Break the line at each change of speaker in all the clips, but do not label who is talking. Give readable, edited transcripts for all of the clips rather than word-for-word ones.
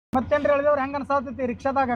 ಮತ್ತೇನ್ರಿ ಹೇಳಿದವ್ರು ಹೆಂಗ ಅನ್ಸಾತೈತಿ ರಿಕ್ಷಾದಾಗ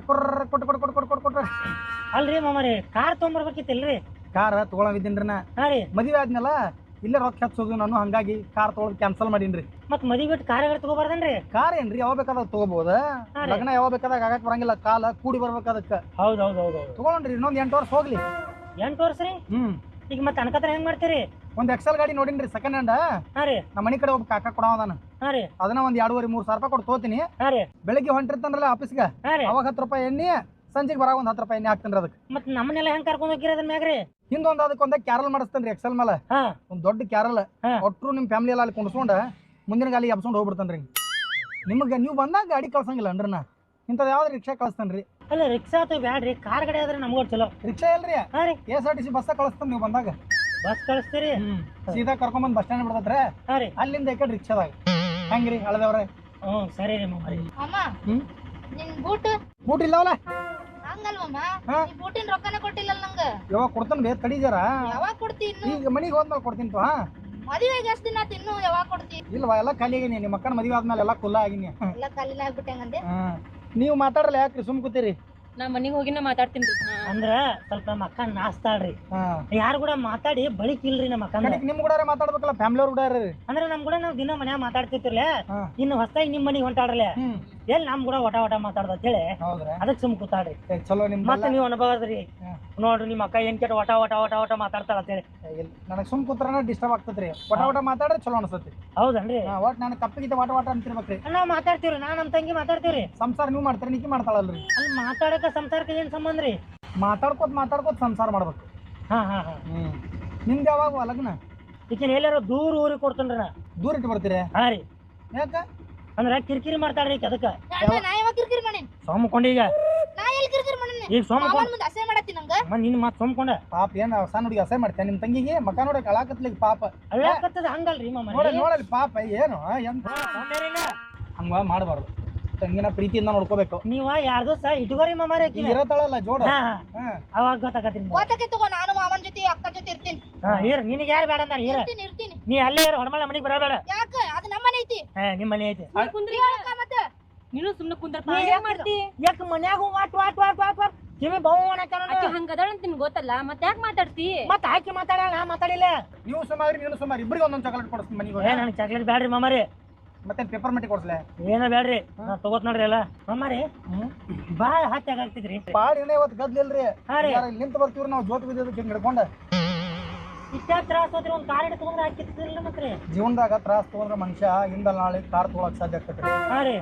ಕೊಟ್ಟ
ಅಲ್ರಿ ಮಾಮಾರಿ ಕಾರ್ ತೊಗೊಂಬರ್ಬೇಕಿತ್ತಲ್ರಿ.
ಕಾರ್ ತಗೊಳವಿದ್ದೀನ್ರಿ ನಾ
ಹಾ ರೀ
ಮದುವೆ ಆದ್ಮೇಲ ಇಲ್ಲೇ ರೊಕ್ಕ ಹಚ್ಚೋದು ನಾನು ಹಂಗಾಗಿ ಕಾರ್ ತಗೊಳೋದು ಕ್ಯಾನ್ಸಲ್ ಮಾಡೀನ್ರಿ.
ಮತ್ ಮದಿ ಬಿಟ್ಟು ಕಾರ್ ತಗೋಬಾರ್ದನ್ರಿ.
ಕಾರ್ ಏನ್ರಿ ಯಾವಾಗ ಬೇಕಾದಾಗ ತಗೋಬಹುದ ಲಗ್ನ ಯಾವಾಗ ಬೇಕಾದಾಗ ಆಗಕ್ ಬರಂಗಿಲ್ಲ ಕಾಲ ಕೂಡಿ ಬರ್ಬೇಕ ಅದಕ್ಕ
ಹೌದೌದೌದು
ತಗೊಳ್ರಿ ಇನ್ನೊಂದ್ 8 ವರ್ಷ ಹೋಗ್ಲಿ.
8 ವರ್ಷ ರೀ. ಈಗ ಮತ್ತೆ ಅನ್ಕತ್ರ ಹೆಂಗ್ ಮಾಡ್ತೀರಿ?
ಒಂದ್ ಎಕ್ಸೆಲ್ ಗಾಡಿ ನೋಡಿನ್ರಿ ಸೆಕೆಂಡ್ ಹ್ಯಾಂಡ್.
ಹಾ ರೀ
ನಮ್ಮ ಮನಿ ಕಡೆ ಒಬ್ಬ ಕಾಕ ಕೊಡವದಾನ.
ಹಾ ರೀ
ಅದನ್ನ ಒಂದ್ 2,500-3,000 ರೂಪಾಯಿ ಕೊಟ್ಟು ತೋತೀನಿ.
ಹಾ ರೀ
ಬೆಳಿಗ್ಗೆ ಹೊಂಟಿರ್ತಾನಲ್ಲ ಆಫೀಸ್ಗೆ
ಹಾ ರೀ
ಅವಾಗ 10 ರೂಪಾಯಿ ಎಣ್ಣೆ ಸಂಜೆಗೆ ಬರಾಗ ಒಂದ್ 10 ರೂಪಾಯಿ ಎಣ್ಣೆ ಹಾಕ್ತೇನ್ರಿ ಅದಕ್ಕೆ.
ಮತ್ ನಮ್ಮನೆಲ್ಲ ಹೆಂಗ್ ಕರ್ಕೊಂಡ್ ಹೋಗಿರ ಅದನ್ನ ಮ್ಯಾಗ್ರಿ?
ಹಿಂದೊಂದ್ ಅದಕ್ಕೊಂದ ಕ್ಯಾರಲ್ ಮಾಡಿಸ್ತೇನ್ರಿ ಎಕ್ಸೆಲ್ ಮೇಲೆ.
ಹಾ
ಒಂದ್ ದೊಡ್ಡ ಕ್ಯಾರಲ್ ಒಟ್ರು ನಿಮ್ ಫ್ಯಾಮಿಲಿ ಎಲ್ಲ ಅಲ್ಲಿ ಕುಣಿಸ್ಕೊಂಡ ಮುಂದಿನ ಗಾಲಿ ಎಬ್ಸ್ಕೊಂಡ್ ಹೋಗ್ಬಿಡ್ತಾನ್ರಿ. ನಿಮ್ಗೆ ನೀವು ಬಂದಾಗ ಗಾಡಿ ಕಳ್ಸಂಗಿಲ್ಲ ಅನ್ರಿ ನಾ ಇಂಥದ್ ಯಾವ್ದು ರಿಕ್ಷಾ ಕಳಿಸ್ತೇನ್ರಿ.
ಅಲ್ಲ ರಿಕ್ಷಾ ಅಥವಾ ಬ್ಯಾಡ್ರಿ ಕಾರ್ ಗಾಡಿ ಆದ್ರೆ ನಮ್ಗೂ ಚಲೋ.
ರಿಕ್ಷಾ ಇಲ್ರಿ
ಹಾ ರೀ
KSRTC ಬಸ್ ಕಳಿಸ್ತೇನೆ ನೀವು ಬಂದಾಗ.
ಬಸ್ ಕಳಿಸ್ತೀರಿ?
ಸೀದಾ ಕರ್ಕೊಂಬಂದ್ ಬಸ್ ಸ್ಟ್ಯಾಂಡ್ ಬಿಡ್ತೈತ್ರೆ
ಹಾ ರೀ
ಅಲ್ಲಿಂದ ಈ ಕಡೆ ರಿಕ್ಷಾದಾಗ ಹೆಂಗ್ರಿ ಹಳದವ್ರೆ.
ಸರಿ ರೀ ಮಾಮಾರಿ.
ಅಮ್ಮ ನಿನ್ ಬೂಟ್
ಬೂಟ್ ಇಲ್ಲವಲ್ಲ
ಹಂಗಲ್ವಮ್ಮ
ಹಾ?
ಈ ಬೂಟಿನ ರೊಕ್ಕನ ಕೊಟ್ಟಿಲ್ಲ ನಂಗ.
ಯಾವಾಗ ಕೊಡ್ತಾನೆ ಬೇ ತಡೀಜಾರ
ಯಾವಾಗ ಕೊಡ್ತಿ ಇನ್ನು?
ಈಗ ಮನಿಗೆ ಹೋದ್ಮೇಲೆ ಕೊಡ್ತೀನಿ ಹಾ.
ಮದುವೆಗೆ ಎಷ್ಟು ದಿನ ಆತ್ ಇನ್ನು ಯಾವಾಗ ಕೊಡ್ತಿ?
ಇಲ್ವಾ ಎಲ್ಲ ಖಾಲಿ ಆಗೀನಿ ನಿಮ್ಮ ಅಕ್ಕನ ಮದುವೆ ಆದ್ಮೇಲೆ ಎಲ್ಲ ಕುಲ್ಲ ಆಗಿನಿ.
ಎಲ್ಲ ಖಾಲಿನ ಆಗ್ಬಿಟ್ಟಂಗಂದೆ.
ನೀವು ಮಾತಾಡಲ್ಲ ಯಾಕ್ರಿ ಸುಮ್ ಕೂತೀರಿ?
ನಾ ಮನಿಗ್ ಹೋಗಿನ ಮಾತಾಡ್ತೀನಿ.
ಅಂದ್ರ ಸ್ವಲ್ಪ ನಮ್ಮ ಅಕ್ಕ ನಾಸ್ತಾಳ್ರಿ.
ಹಾ
ಯಾರು ಕೂಡ ಮಾತಾಡಿ ಬಳಿಕ್ ಇಲ್ರಿ ನಮ್ಮ ಅಕ್ಕ.
ನಿಮ್ ಕೂಡ ಮಾತಾಡ್ಬೇಕಲ್ಲ ಫ್ಯಾಮಿಲಿ ಅವ್ರ ಕೂಡ ರೀ.
ಅಂದ್ರೆ ನಮ್ ಕೂಡ ನಾವ್ ದಿನ ಮನ್ಯಾಗ ಮಾತಾಡ್ತಿರ್ತಿರ್ಲೆ
ಹಾ.
ಇನ್ನು ಹೊಸದಾಗಿ ನಿಮ್ ಮನಿಗ್ ಹೊಂಟಾಡ್ರಲೆ
ಹ್ಮ್
ಎಲ್ಲಿ ನಮ್ ಕೂಡ ಒಟ ಮಾತಾಡ್ದ ಅಂತ ಹೇಳಿ
ಹೌದ್ರಾ
ಅದಕ್ಕೆ ಸುಮ್ ಕೂತಾಡ್ರಿ.
ಚಲೋ ನಿಮ್
ಮತ್ತೆ ನೀವು ಅನುಭವದ್ರಿ
ಹಾ.
ನೋಡ್ರಿ ನಿಮ್ಮ ಅಕ್ಕ ಏನ್ ಕೆಟ್ಟ ಒಟ ಮಾತಾಡ್ತಾಳ ಅಂತ ಹೇಳಿ.
ನನಗ್ ಸುಮ್ ಕೂತ್ರನ ಡಿಸ್ಟರ್ಬ್ ಆಗ್ತದ್ರಿ. ಒಟ ಮಾತಾಡ್ರೆ ಚಲೋ ಅನ್ಸತ್ತಿ.
ಹೌದನ್ರಿ
ಒಟ್ ನಾನು ಕಪ್ಪಿಗಿತ ಒಟ ಅಂತಿರ್ಬೇಕ್ರಿ.
ನಾವ್ ಮಾತಾಡ್ತೀವ್ರಿ ನಾ ನಮ್ ತಂಗಿ ಮಾತಾಡ್ತೀವ್ರಿ.
ಸಂಸಾರ ನೀವು ಮಾಡ್ತೀರಿ ನಿಕ್ಕಿ ಮಾಡ್ತಾಳಲ್ರಿ.
ಅಲ್ಲಿ ಮಾತಾಡಕ ಸಂಸಾರಕ್ಕೆ ಏನ್ ಸಂಬಂಧ ರೀ?
ಮಾತಾಡ್ಕೋತ ಸಂಸಾರ ಮಾಡ್ಬೇಕು.
ಹಾ ಹಾ ಹಾ
ನಿಮ್ದು ಯಾವಾಗ ಲಗ್ನ?
ಈಕಿನ ಎಲ್ಲಾರು ದೂರ ಊರಿಗೆ ಕೊಡ್ತೇನ್ರಿ ನಾ.
ದೂರ ಇಟ್ಟು ಬರ್ತೀರಿ
ಹಾ ರೀ
ಯಾಕ?
ಅಂದ್ರ ಕಿರಿಕಿರಿ ಮಾಡ್ತಾಳ್ರಿ ಈಕಿ ಅದಕ್ಕ.
ನಾ ಯಾವಾಗ ಕಿರಿಕಿರಿ ಮಾಡೀನಿ?
ಸೋಮಕೊಂಡ ಈಗ
ನಾ ಎಲ್ಲಿ ಕಿರಿಕಿರಿ ಮಾಡೀನಿ?
ಈಗ ಸೋಮಕೊಂಡ
ಮಾವನ್ ಮುಂದೆ ಅಸಹ್ಯ ಮಾಡತ್ತಿ ನಂಗ.
ನಿನ್ ಮತ್ ಸೋಮಕೊಂಡ
ಪಾಪ ಏನ್ ಸಣ್ಣ ಹುಡುಗಿ ಅಸಹ್ಯ ಮಾಡ್ತೇನೆ ನಿಮ್ ತಂಗಿಗೆ ಮಕ ನೋಡಕ್ ಅಳಾಕತ್ಲಿಕ್ ಪಾಪ.
ಅಳ್ಳಾಕತ್ತದ ಹಂಗಲ್ರಿ ಮಾಮ.
ನೋಡಲ್ಲಿ ಪಾಪ ಏನು ಎಂತ ಹಂಗ ಮಾಡಬಾರ್ದು. ತಂಗಿನ ಪ್ರೀತಿಯಿಂದ ನೋಡ್ಕೋಬೇಕು.
ನೀವ ಯಾರ್ದು ಸಹ ಇಟ್ಕೋರಿ ಮಾಮಾರಿ
ಈಗ ಇರತ್ತಾಳಲ್ಲ ಜೋಡ.
ಅವಾಗ ಗೊತ್ತಾಗತ್ರಿ.
ಓತಕ್ಕೆ ತಗೋ ನಾನು ಮಾವನ್ ಜೊತೆ ಅಕ್ಕನ ಜೊತೆ ಇರ್ತೀನಿ.
ನಿನಗೆ ಯಾರು ಬೇಡ ಅಂತಾರ
ಇರ್ತೀನಿ.
ನೀ ಅಲ್ಲೇ ಹೊರಮಳ ಮನಿಗೆ ಬರಬೇಡ.
ಯಾಕ ಅದು ನಮ್ಮನೆ ಐತಿ.
ನಿಮ್ ಮನೆ ಐತಿ.
ಕುಂದ್ರಿ ಯಾಕ ಮತ್ತೆ?
ನೀನು ಸುಮ್ನೆ ಕುಂದ್ರಪ್ಪ. ಏನ್ ಮಾಡ್ತಿ?
ಯಾಕ ಮನ್ಯಾಗ ವಾಟ್ ಕಿವಿ ಬಹು
ಆಕಿ ಹಂಗದಾಳ ಅಂತ ನಿಮ್ಗೆ ಗೊತ್ತಲ್ಲ ಮತ್ತೆ ಯಾಕೆ ಮಾತಾಡ್ತಿ?
ಮತ್ತ ಆಕಿ ಮಾತಾಡ ನಾ ಮಾತಾಡಿಲ್ಲ.
ನೀವು ಸುಮಾರಿ ನೀನು ಸುಮಾರು ಇಬ್ಬರಿಗೆ ಒಂದೊಂದು ಚಾಕ್ಲೇಟ್ ಕೊಡಿಸ್ತೀನಿ ಮನೆಗೆ.
ನನಗೆ ಚಾಕ್ಲೇಟ್ ಬ್ಯಾಡ್ರಿ ಮಾಮಾರಿ.
ಮತ್ತೆ ಪೇಪರ್ ಮೆಟ್ಟಿ ಕೊಡ್ಸ್ಲೆ?
ಏನ ಬ್ಯಾಡ್ರಿ ನಾ ತಗೋತ್ ನೋಡ್ರಿ ಎಲ್ಲ ಮಾಮಾರಿ. ಬಾಳ ಹತ್ಯಾಗ ಆಗ್ತಿದ್ರಿ.
ಪಾಡ್ ಏನೇ ಇವತ್ತು ಗದ್ಲಿಲ್ರಿ.
ಹಾ ರೀ
ನಿಂತ ಬರ್ತೀವ್ರಿ ನಾವು ಜೋತ್ ಬಿದ್ದದಕ್ಕೆ ಹಿಂಗ್ ಹಿಡ್ಕೊಂಡ.
ಇಷ್ಟ ತ್ರಾಸ ಹೋದ್ರಿ ಒಂದ್ ಕಾರ್ ಹಿಡ್ಕೊಂಡ್ರೆ ಹಾಕಿತ್ತಿಲ್ಲ ಮತ್ತೆ.
ಜೀವನದಾಗ ತ್ರಾಸ ತಗೊಂಡ್ರೆ ಮನುಷ್ಯ ಹಿಂದ ನಾಳೆ ಕಾರ್ ತಗೊಳಕ್ ಸಾಧ್ಯ ಆಗ್ತೈತ್ರಿ.
ಹಾ ರೀ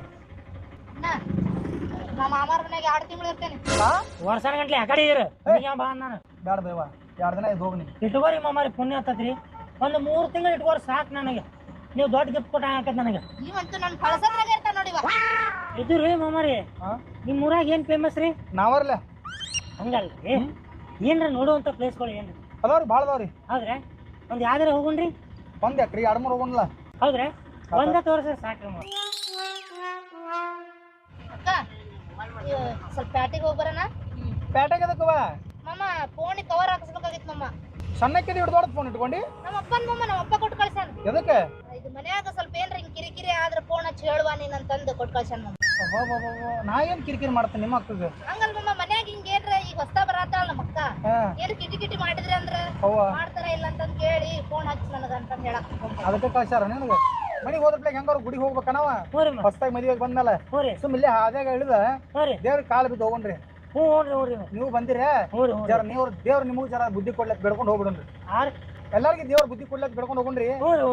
ನಮ್ಮ ಮಾಮಾರ ಮನೆಗೆ 2 ತಿಂಗಳು ಇರ್ತೇನೆ.
ವರ್ಷಾನ ಗಂಟ್ಲೆ ಆ ಕಡೆ ಇರು ಬಾ ನಾನು.
ಬ್ಯಾಡ ಬೇವ 2 ದಿನ ಇದು ಹೋಗ್ನಿ.
ಇಟ್ಕೋರಿ ಮಾಮಾರಿ ಪುಣ್ಯ ಹತ್ತತ್ರಿ. ಒಂದು 3 ತಿಂಗಳು ಇಟ್ಕೋರಿ ಸಾಕು ನನಗೆ. ನೀವು ದೊಡ್ಡ ಗಿಫ್ಟ್ ಕೊಟ್ಟ ಹಾಕತ್ ನನಗೆ.
ನೀವಂತೂ ನನ್ನ ಕಳಸದ್ರಾಗ ಇರ್ತಾನ ನೋಡಿವ.
ಇದು ರೀ ಮಾಮಾರಿ ನಿಮ್ ಊರಾಗ ಏನ್ ಫೇಮಸ್ ರೀ?
ನಾವರ್ಲೆ
ಹಂಗಲ್ರಿ ಏನ್ರ ನೋಡುವಂತ ಪ್ಲೇಸ್ಗಳು ಏನ್ರಿ
ಅದಾವ್ರಿ ಭಾಳ ಅದಾವ್ರಿ.
ಹೌದ್ರಾ ಒಂದ್ ಯಾವ್ದಾರ ಹೋಗುಣ್ರಿ?
ಒಂದ್ ಯಾಕ್ರಿ 2-3 ಹೋಗೋಣಲ್ಲ.
ಹೌದ್ರಾ ಒಂದ ತೋರ್ಸ್ರಿ ಸಾಕ್ರಿ ಮಾಮ.
ಅಕ್ಕ ಸ್ವಲ್ಪ ಪ್ಯಾಟಿಗೆ ಹೋಗಿ ಬರೋಣ.
ಪೇಟೆಗೆ ಅದಕ್ಕವ
ಮಾಮ ಫೋನಿಗೆ ಕವರ್ ಹಾಕಿಸ್ಬೇಕಾಗಿತ್ತು ಮಾಮ.
ಸಣ್ಣಕ್ಕೆ ಹಿಡ್ದೋಡ್ ಫೋನ್ ಇಟ್ಕೊಂಡಿ.
ನಮ್ಮ ಅಪ್ಪ ಕೊಟ್ಟು ಕಳ್ಸಾನ.
ಎದಕ್ಕೆ?
ಇದು ಮನ್ಯಾಗ ಸ್ವಲ್ಪ ಏನ್ರ ಹಿಂಗ್ ಕಿರಿಕಿರಿ ಆದ್ರೆ ಫೋನ್ ಹಚ್ಚಿ ಹೇಳುವ ನೀನ್ ಅಂತಂದು ಕೊಟ್ಟು ಕಳ್ಸಾನ ಮಾಮ.
ನಾ ಏನ್ ಕಿರಿಕಿರಿ ಮಾಡ್ತೇನೆ ನಿಮ್ಮ ಅಕ್ಕಗೆ?
ಹಂಗಲ್ ಮಾಮ ಮನ್ಯಾಗ ಹಿಂಗ ಏನ್ರ ಈಗ ಹೊಸ್ತಾ ಬರತ್ತಾಳ ನಮ್ಮ ಅಕ್ಕ ಏನ್ ಕಿಟಿ ಮಾಡಿದ್ರಿ ಅಂದ್ರ ಮಾಡ್ತಾರ ಇಲ್ಲ ಅಂತಂದ್ ಕೇಳಿ ಫೋನ್ ಹಚ್ಚಿ ನನಗ ಅಂತಂದ್ ಹೇಳಕ್
ಅದಕ್ಕೆ ಕಳ್ಸಾರ ನಿನಗೆ. ಮನಿಗೆ ಹೋದ್ರಪ್ಲೆ ಹೆಂಗಾರು ಗುಡಿಗೆ ಹೋಗ್ಬೇಕನವ. ಹೊಸ್ತಾಗಿ ಮದುವೆಗೆ ಬಂದ್ಮೇಲೆ ಸುಮ್ ಇಲ್ಲೇ ಹಾದ್ಯಾಗ ಇಳಿದ ದೇವ್ರ ಕಾಲು ಬಿದ್ದು ಹೋಗೋಣ್ರಿ. ನೀವು ಬಂದಿರ ಜರ ನೀವು ದೇವ್ರ ನಿಮಗೂ ಜರ ಬುದ್ಧಿ ಕೊಡ್ಲಕ್ ಬೆಳ್ಕೊಂಡು ಹೋಗ್ಬಿಡ್ರಿ. ಎಲ್ಲಾರ್ಗಿ ದೇವ್ರ ಬುದ್ಧಿ ಕೊಡ್ಲಕ್ ಬೆಳ್ಕೊಂಡು ಹೋಗೋಣ್ರಿ.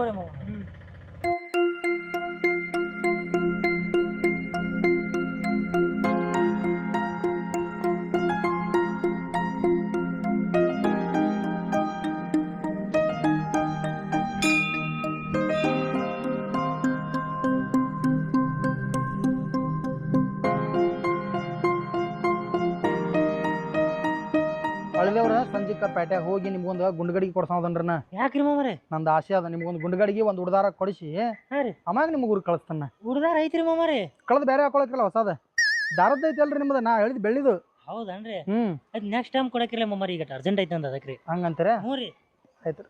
ಹಳ್ಳಿಯವ್ರ ಸಂಜಿಕ ಪೇಟೆಗೆ ಹೋಗಿ ನಿಮ್ಗೊಂದು ಗುಂಡ್ಗಡಿಗೆ ಕೊಡ್ಸೋದನ್ರಿ.
ಯಾಕ್ರಿ ಮಾಮಾರಿ?
ನಂದು ಆಸೆ ಅದ ನಿಮ್ಗೊಂದು ಗುಂಡ್ಗಡಿಗೆ ಒಂದು ಉಡ್ದಾರ ಕೊಡಿಸಿ ಅಮ್ಮಾಗ ನಿಮ್ಗೆ ಊರಿಗೆ ಕಳಿಸ್ತಾನ.
ಹುಡ್ದಾರ ಐತ್ರಿ ಮಾಮಾರಿ?
ಕಳೆದು ಬೇರೆ ಹಾಕೊಳಕ್ರಲ್ಲ ಹೊಸದ ದಾರದ ಐತಿ ಅಲ್ರಿ ನಿಮ್ದು. ನಾ ಹೇಳಿದ್ ಬೆಳ್ಳಿದು.
ಹೌದನ್ರಿ? ಅದ್ ನೆಕ್ಸ್ಟ್ ಟೈಮ್ ಕೊಡಕ್ರಿಲ್ಲ ಮಾಮಾರಿ. ಈಗ ಅರ್ಜೆಂಟ್ ಐತೆ ಅಂದ ಅದಕ್ರಿ.
ಹಂಗಂತೀರ?
ಹ್ಞೂ ರೀ
ಆಯ್ತು.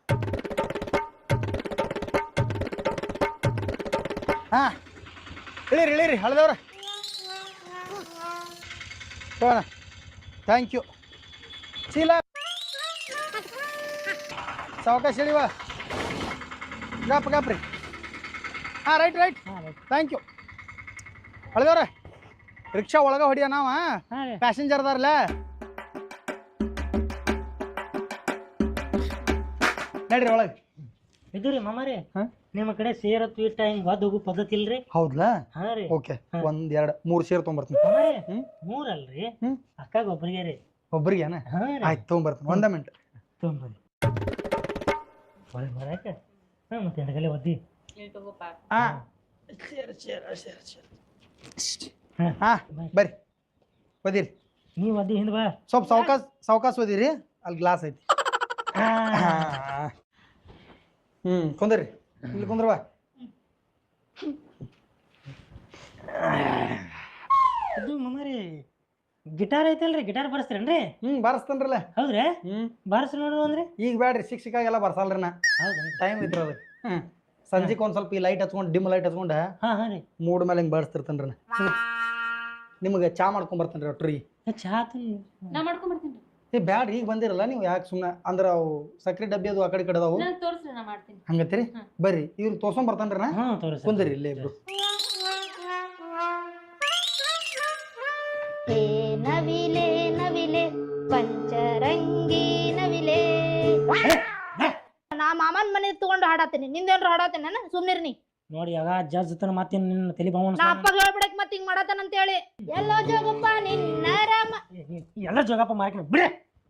ಹಾ ಇಳಿರಿ ಹಳದವ್ರ ಥ್ಯಾಂಕ್ ಯು ಚೀಲ ಸಾವಕಾಶ ಹೇಳಿವ ಗಪ್ರಿ ಹಾಂ ರೈಟ್ ಥ್ಯಾಂಕ್ ಯು ಅಳದವ್ರೆ ರಿಕ್ಷಾ ಒಳಗೆ ಹೊಡಿಯ ನಾವ ಪ್ಯಾಸೆಂಜರ್ ಅದಾರಲ್ಲ ನಡ್ರಿ ಒಳಗೆ
ಇದು ರೀ ಮಾಮಾರಿ ನಿಮ್ಮ ಕಡೆ ಸೇರ ಇಟ್ಟ ಹಿಂಗ್ ಹೊದ್ ಹೋಗೋ ಪದ್ಧತಿ ಇಲ್ರಿ?
ಹೌದ್ಲಾ?
ಹಾ ರೀ.
ಓಕೆ 1 2 3 ಸೇರ್ ತೊಗೊಂಬರ್ತೀನಿ.
ಮೂರ್ ಅಲ್ರಿ, ಅಕ್ಕಾಗ ಒಬ್ಬರಿಗೆ ರೀ.
ಒಬ್ಬರಿಗೆ ಆಯ್ತು ತೊಗೊಂಬರ್ತೀನಿ. 1 ಮಿನಿಟ್
ತೊಗೊಂಬರಿ. ಬರಾಕ ಮತ್ತೆ ಎಂಟಗಲೆ ಒದ್ದಿ
ಬರ್ರಿ ಒದಿರಿ.
ನೀವು ಒದ್ದಿ ಹಿಂದ್ ಬಾ.
ಸ್ವಲ್ಪ ಸಾವಕಾಶ ಒದಿರಿ, ಅಲ್ಲಿ ಗ್ಲಾಸ್ ಐತಿ. ಕುಂದ್ರಿ, ಇಲ್ಲಿ ಕುಂದ್ರವಾ.
ಇದು ಮಮ್ಮರಿ ಗಿಟಾರ್ ಐತಲ್ರಿ, ಗಿಟಾರ್ ಬಾರಿಸ್ತೀರೇನ್ರಿ?
ಬಾರಿಸ್ತೇನ್ರಲ್ಲ.
ಹೌದ್ರಿ? ಬಾರಿಸ್ ನೋಡು ಅಂದ್ರೆ
ಈಗ ಬ್ಯಾಡ್ರಿ, ಸಿಕ್ಕಾಗೆಲ್ಲ ಬರ್ಸಲ್ರಿ ನಾ. ಟೈಮ್ ಇದ್ರ ಅದಕ್ಕೆ. ಸಂಜೆಗೆ ಒಂದ್ ಸ್ವಲ್ಪ ಈ ಲೈಟ್ ಹಚ್ಕೊಂಡು, ಡಿಮ್ ಲೈಟ್ ಹಚ್ಕೊಂಡ ಮೂಡ್ ಮೇಲೆ ಹಿಂಗ್ ಬಾರಿಸ್ತಿರ್ತೇನ್ರಿ. ನಿಮ್ಗೆ ಚಾ ಮಾಡ್ಕೊಂಡ್ ಬರ್ತೇನ್ರಿ ಒಟ್ರಿ.
ಚಾ
ನಾ ಮಾಡ್ಕೊಂಡ್ ಬರ್ತೀನಿ.
ಬ್ಯಾಡ್ರಿ, ಈಗ ಬಂದಿರಲ್ಲ ನೀವು, ಯಾಕೆ ಸುಮ್ಮನೆ ಅಂದ್ರ ಅವು ಸಕ್ರೆ ಡಬ್ಬಿ ಅದು ಆ ಕಡೆ ಅದಾವು.
ತೋರಿಸ್ರಿ, ನಾ ಮಾಡ್ತೀನಿ.
ಹಂಗತ್ತೀರಿ? ಬರ್ರಿ, ಇವ್ರು ತೋರ್ಸೊಂಡ್ ಬರ್ತೇನ್ರಿ ನಾ. ಕುಂದ್ರಿ ಇಲ್ಲೇ ಇಬ್ರು.
ನವಿಲೆ ನವಿಲೆ ಪಂಚರಂಗಿ ನವಿಲೆ. ನಾ ಮಾಮನ್ ಮನೆ ತಗೊಂಡು ಹಾಡಾತೀನಿ, ನಿಂದೇನ್ರ ಹಾಡಾತೀನಿ ನಾನು. ಸುಮ್ನಿರ್ನಿ
ನೋಡಿ. ಆಗ ಜಜ್ ತನ ಮಾತಿನ ನಿನ್ನ ತಲೆ ಬಾವಣ.
ನಾ ಅಪ್ಪ ಹೇಳ್ಬಿಡಕ್ ಮತ್ತೆ ಹಿಂಗ್ ಮಾಡತಾನ ಅಂತ ಹೇಳಿ. ಎಲ್ಲೋ ಜೋಗಪ್ಪ ನಿನ್ನ ರಾಮ.
ಎಲ್ಲ ಜೋಗಪ್ಪ ಮಾಡ್ಕೊಂಡು ಬಿಡೆ.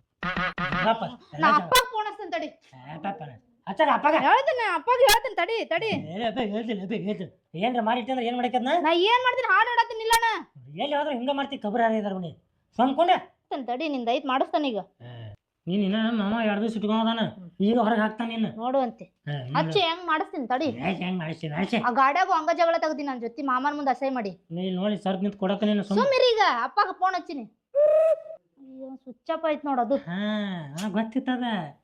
ನಾ ಅಪ್ಪ ಫೋನ್ ಹಚ್ತೇನೆ ತಡಿ.
ಅಚ್ಚಾಗ ಅಪ್ಪಗ
ಹೇಳ್ತೇನೆ, ಅಪ್ಪಗೆ ಹೇಳ್ತೇನೆ ತಡಿ ತಡಿ.
ಏನ್ರ ಮಾಡಿಟ್ಟಂದ್ರೆ ಏನ್ ಮಾಡಕದ್ನ?
ನಾ ಏನ್ ಮಾಡ್ತೀನಿ, ಹಾಡು ಹಾಡತ್ತೀನಿ. ಇಲ್ಲ ನಾ
ಎಲ್ಲಿ ಹೋದ್ರೆ ಹಿಂಗ ಮಾಡ್ತಿ. ಕಬ್ರ ಯಾರಿದಾರ ಮನಿ ಸ್ವಂದ್ಕೊಂಡೆ
ತಡಿ. ನಿಂದ ಐತ್ ಮಾಡಿಸ್ತಾನ ಈಗ.
ನೀನ್ ಇನ್ನ ಮಾಮ 2 ದಿವಸ ಇಟ್ಕೊಂಡಾನ, ಈಗ ಹೊರಗೆ ಹಾಕ್ತಾನ. ನೀನು
ನೋಡುವಂತೆ ಹಚ್ಚಿ ಹೆಂಗ್ ಮಾಡಿಸ್ತೀನಿ ತಡಿ.
ಹೆಂಗ್ ಮಾಡಿಸ್ತೀನಿ?
ಆ ಗಾಡ್ಯಾಗು ಹಂಗ ಜಗಳ ತೆಗ್ದಿ ನನ್ ಜೊತೆ ಮಾಮನ್ ಮುಂದೆ ಅಸಹ್ಯ ಮಾಡಿ.
ನೀ ನೋಡಿ ಸರ್ ನಿಂತ ಕೊಡಕ. ನೀನು
ಸುಮ್ಮಿರಿ. ಈಗ ಅಪ್ಪಗ ಫೋನ್ ಹಚ್ಚಿನಿ. ಅಯ್ಯೋ ಸ್ವಿಚ್ ಆಫ್ ಆಯ್ತು ನೋಡದು.
ಗೊತ್ತಿತ್ತದ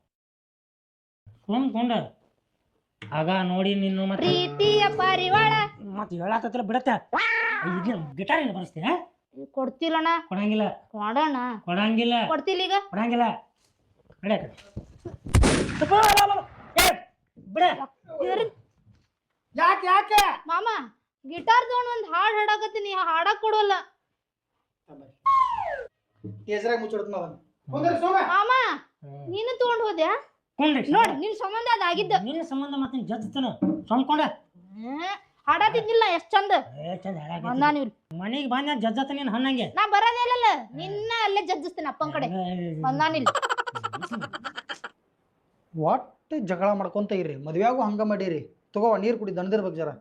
ಕೊಂಡ. ಆಗ ನೋಡಿ ನಿನ್ನ ಮತ್ತೆ
ಪ್ರೀತಿಯ ಪರಿವಾಳ
ಮತ್ತೆ ಹೇಳಾಕತ್ರ ಬಿಡತ್ತ. ಗಿಟಾರ್ ಏನು ಬರ್ಸ್ತೀಯ?
ಕೊಡ್ತಿಲ್ಲಣ್ಣ.
ಕೊಡಂಗಿಲ್ಲ.
ಕೊಡೋಣ.
ಕೊಡಂಗಿಲ್ಲ.
ಕೊಡ್ತಿಲ್ಲ ಈಗ.
ಕೊಡಂಗಿಲ್ಲ.
ಯಾಕೆ
ಮಾಮ ಗಿಟಾರ್ ತಗೊಂಡ್ ಒಂದ್ ಹಾಡ್ ಹಾಡಾಕತ್ತೀನಿ, ಹಾಡಕ್ ಕೊಡೋಲ್ಲ. ಮಾಮ ನೀನು ತಗೊಂಡ್ ಹೋದ್ಯಾ? ನೋಡಿ ನಿನ್ ಸಂಬಂಧ ಅದಾಗಿದ್ದ.
ನಿನ್ನ ಸಂಬಂಧ ಮತ್ತೆ ಜಜ್ತನ ಸ್ವಂದ್ಕೊಂಡ
ಹಾಡಾತಿದ್ನಿಲ್ಲ. ಎಷ್ಟ್ ಚಂದ
ಮನಿಗ್ ಬಂದ ಜಜ್ಜತ. ನೀನ್ ಹಣ್ಣಂಗೆ
ನಾ ಬರೋದಿಲ್ಲ. ನಿನ್ನ ಅಲ್ಲೇ ಜಜ್ಜಿಸ್ತೇನೆ ಅಪ್ಪನ ಕಡೆ. ಬಂದಾನಿಲ್ಲ.
ಒಟ್ಟು ಜಗಳ ಮಾಡ್ಕೊಂತ ಇರ್ರಿ. ಮದ್ವೆಯಾಗೂ ಹಂಗ ಮಾಡಿರಿ. ತಗೋ ನೀರ್ ಕುಡಿ, ದಣದಿರ್ಬೇಕು ಜರ.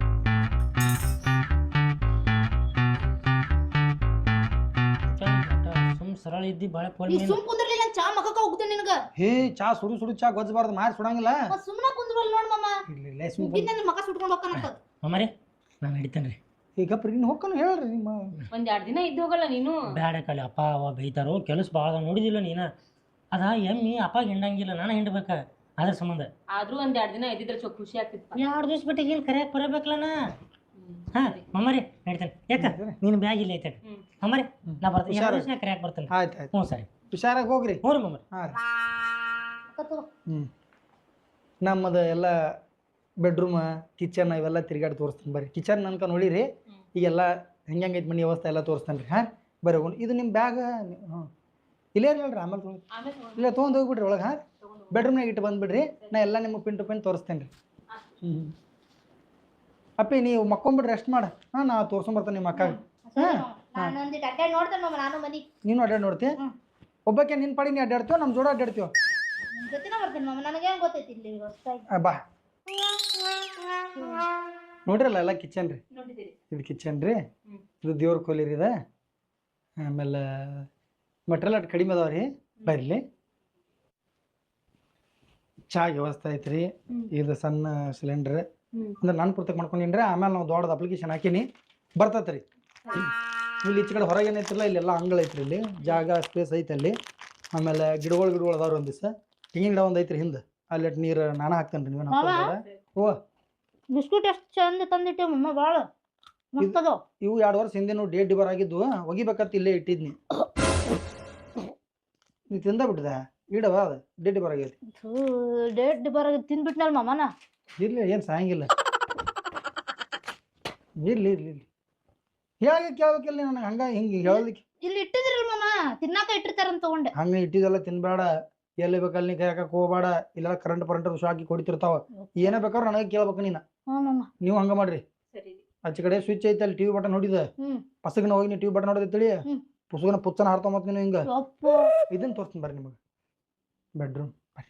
ಸರಳ ಇದ್ದಿ ಬಾಳ
ಸುಮ್ ಕುಂದ್ರಲಿಲ್ಲ. ಚಾ ಮಕ್ಕಕ್ಕ ಹೋಗ್ತೇನೆ ನಿನಗ.
ಹೇ ಚಾ ಸುಡು ಚಾ ಗೊಜ್ಜಬಾರ್ದು, ಮಾರಿ ಸುಡಂಗಿಲ್ಲ.
ಸುಮ್ಮನೆ ಕುಂದ್ರಲ್ಲ ನೋಡ್ ಮಾಮ. ಮಕ್ಕ ಸುಟ್ಕೊಂಡು ಹೋಗ್ತಾನಂತ.
ಮಾಮರಿ ನಾನು ಹಿಡಿತೇನ್ರಿ.
ಈಗ ನೀನು ಹೋಗ್ಕೊಂಡು ಹೇಳ್ರಿ. ನಿಮ್ಮ
1-2 ದಿನ ಇದ್ದು ಹೋಗಲ್ಲ ನೀನು.
ಬ್ಯಾಡ ಕಲಿ ಅಪ್ಪ ಅವ ಬೈತಾರೋ. ಕೆಲಸ ಭಾಳ ನೋಡಿದಿಲ್ಲ ನೀನ. ಅದ ಎಮ್ಮಿ ಅಪ್ಪಾಗ ಹಿಂಡಂಗಿಲ್ಲ, ನಾನು ಹಿಂಡ್ಬೇಕ. ಅದ್ರ ಸಂಬಂಧ
ಆದ್ರೂ 1-2 ದಿನ ಇದ್ದಿದ್ರೆ ಚೊ ಖುಷಿ ಆಗ್ತಿತ್ತು.
2 ದಿವಸ ಬಿಟ್ಟು ಏನು ಕರೆಯಕ್ ಬರಬೇಕಲ್ಲ. ಹಾ ಮಮ್ಮರಿ ಹೇಳ್ತೇನೆ. ಯಾಕ ನೀನು ಬ್ಯಾಗ್ ಇಲ್ಲ ಐತೆ ಮಮ್ಮರಿ. ನಾ ಬರ್ತೀನಿ, 2 ದಿವಸ ಕರೆಯಕ್ ಬರ್ತೇನೆ.
ಆಯ್ತು
ಹ್ಞೂ ಸರಿ,
ಹುಷಾರಾಗಿ ಹೋಗ್ರಿ.
ಹ್ಞೂ ರೀ ಮಮ್ಮರಿ.
ನಮ್ಮದು ಎಲ್ಲ ಬೆಡ್ರೂಮ್, ಕಿಚನ್ ಇವೆಲ್ಲ ತಿರ್ಗಾಡಿ ತೋರಿಸ್ತೀನಿ. ಬರ್ರಿ ಕಿಚನ್ ನನ್ಕ ನೋಡಿರಿ. ಈಗೆಲ್ಲ ಹೆಂಗೈತೆ ಮನೆ ವ್ಯವಸ್ಥೆ ಎಲ್ಲ ತೋರಿಸ್ತಾನೆ ರೀ. ಹಾಂ ಬರ್ರಿ. ಇದು ನಿಮ್ಮ ಬ್ಯಾಗ್ ಇಲ್ಲೇ ಇರಲ್ರಿ, ಆಮೇಲೆ ಇಲ್ಲ ತೊಗೊಂಡು ಹೋಗ್ಬಿಡ್ರಿ ಒಳಗೆ. ಹಾಂ ಬೆಡ್ರೂಮ್ನಾಗ ಇಟ್ಟು ಬಂದುಬಿಡ್ರಿ. ನಾ ಎಲ್ಲ ನಿಮಗೆ ಪಿನ್ ಟು ಪಿನ್ ತೋರಿಸ್ತೇನೆ ರೀ. ಅಪ್ಪಿ ನೀವು ಮಕ್ಕೊಂಬಿಡ್ರಿ, ರೆಸ್ಟ್ ಮಾಡ. ಹಾಂ ನಾ ತೋರ್ಸ್ಕೊಂಬರ್ತೇನೆ ನಿಮ್ಮ ಅಕ್ಕಾಗ. ನೀನು ಅಡ್ಡಾಡಿ ನೋಡ್ತಿ? ಒಬ್ಬಕ್ಕೆ ನಿನ್ನ ಪಾಡಿ ನೀ ಅಡ್ಡಾಡ್ತೀವೋ ನಮ್ಮ ಜೋಡ ಅಡ್ಡಾಡ್ತೀವೋ? ಬಾ ನೋಡ್ರಲ್ಲ ಎಲ್ಲ ಕಿಚನ್ ರೀ. ಇದು ಕಿಚನ್ ರೀ. ಇದು ದೇವ್ರ ಕೋಲಿ ರೀ. ಇದು ಆಮೇಲೆ ಮಟ್ರಿಯಲ್ ಅಟ್ ಕಡಿಮೆ ಅದಾವ ರೀ. ಬರ್ಲಿ ಚಾ ವ್ಯವಸ್ಥೆ ಐತ್ರಿ. ಇದು ಸಣ್ಣ ಸಿಲಿಂಡ್ರ್ ಅಂದ್ರೆ ನಾನು ಪುರ್ತಕ್ಕೆ ಮಾಡ್ಕೊಂಡಿನ್ರಿ. ಆಮೇಲೆ ನಾವು ದೊಡ್ಡದು ಅಪ್ಲಿಕೇಶನ್ ಹಾಕೀನಿ, ಬರ್ತೈತೆ ರೀ. ಇಲ್ಲಿ ಈಚೆ ಕಡೆ ಹೊರಗೆ ಏನೈತಿಲ್ಲ, ಇಲ್ಲೆಲ್ಲ ಅಂಗಳ ಐತ್ರಿ. ಇಲ್ಲಿ ಜಾಗ ಸ್ಪೇಸ್ ಐತೆ ಅಲ್ಲಿ. ಆಮೇಲೆ ಗಿಡಗಳು ಅದಾವ್ರಿ. ಒಂದು ದಿವಸ ತೆಂಗಿನ ಗಿಡ ಒಂದು ಐತ್ರಿ ಹಿಂದೆ. ಅಲ್ಲಿ ನೀರು ನಾನು ಹಾಕ್ತೇನೆ ರೀ. ಓ
ಬಿಸ್ಕುಟ್ ಎಷ್ಟು ಚಂದ ತಂದಿಟ್ಟೆ ಮಮ್ಮ. ಭಾಳ
ಇವು 2 ವರ್ಷ ಹಿಂದೆ ಡೇಟ್ ಡಿಬರ್ ಆಗಿದ್ದು, ಒಗಿಬೇಕಂತ ಇಲ್ಲೇ ಇಟ್ಟಿದ್ನಿ. ನೀ ತಿಂದ ಬಿಟ್ಟದ ಇಡವ ಅದು ಡೆಡ್ ಬರಾಗೈತಿ
ಡೇಟ್ ಬರ ತಿಂದ್ಬಿಟ್ನಲ್ ಮಾಮನ
ಇರ್ಲಿ ಏನು ಸಾಯಂಗಿಲ್ಲ ಇರ್ಲಿ ಇರ್ಲಿ ಇರ್ಲಿ ಹೇಗೆ ಕೇಳ್ಬೇಕಿಲ್ಲ ನನಗೆ ಹಂಗ ಹಿಂಗೆ ಹೇಳಲಿಕ್ಕೆ
ಇಲ್ಲಿ ಇಟ್ಟಿದ್ರಲ್ ಮಾಮ ತಿನ್ನಾಕ ಇಟ್ಟಿರ್ತಾರಂತ ತಗೊಂಡೆ
ಹಂಗೆ ಇಟ್ಟಿದೆಲ್ಲ ತಿನ್ಬೇಡ ಎಲ್ಲಿ ಬೇಕಲ್ಲಿ ನೀ ಕೈಯಾಕ ಹೋಗ್ಬೇಡ ಇಲ್ಲ ಕರೆಂಟ್ ಶಾಕಿ ಕೊಡಿತಿರ್ತಾವ ಏನೇ ಬೇಕಾದ್ರೂ ನನಗೆ ಕೇಳ್ಬೇಕು ನೀನು ನೀವು ಹಂಗ ಮಾಡ್ರಿ
ಸರಿ
ಆಚೆ ಕಡೆ ಸ್ವಿಚ್ ಐತೆ ಅಲ್ಲಿ ಟಿವಿ ಬಟನ್ ನೋಡಿದ
ಹ್ಮ್
ಪಸಗನ ಹೋಗಿ ನೀವು ಟಿವಿ ಬಟನ್ ನೋಡಿದ್ರಿ ಪುಸ್ತಕನ ಪುಚ್ಚನ ಹಾರ್ತೊಂಬತ್ ನೀನು ಹಿಂಗ ಇದನ್ನ ತೋರಿಸ್ತೀನಿ ಬರ್ರಿ ನಿಮಗೆ ಬೆಡ್ರೂಮ್ ಬರ್ರಿ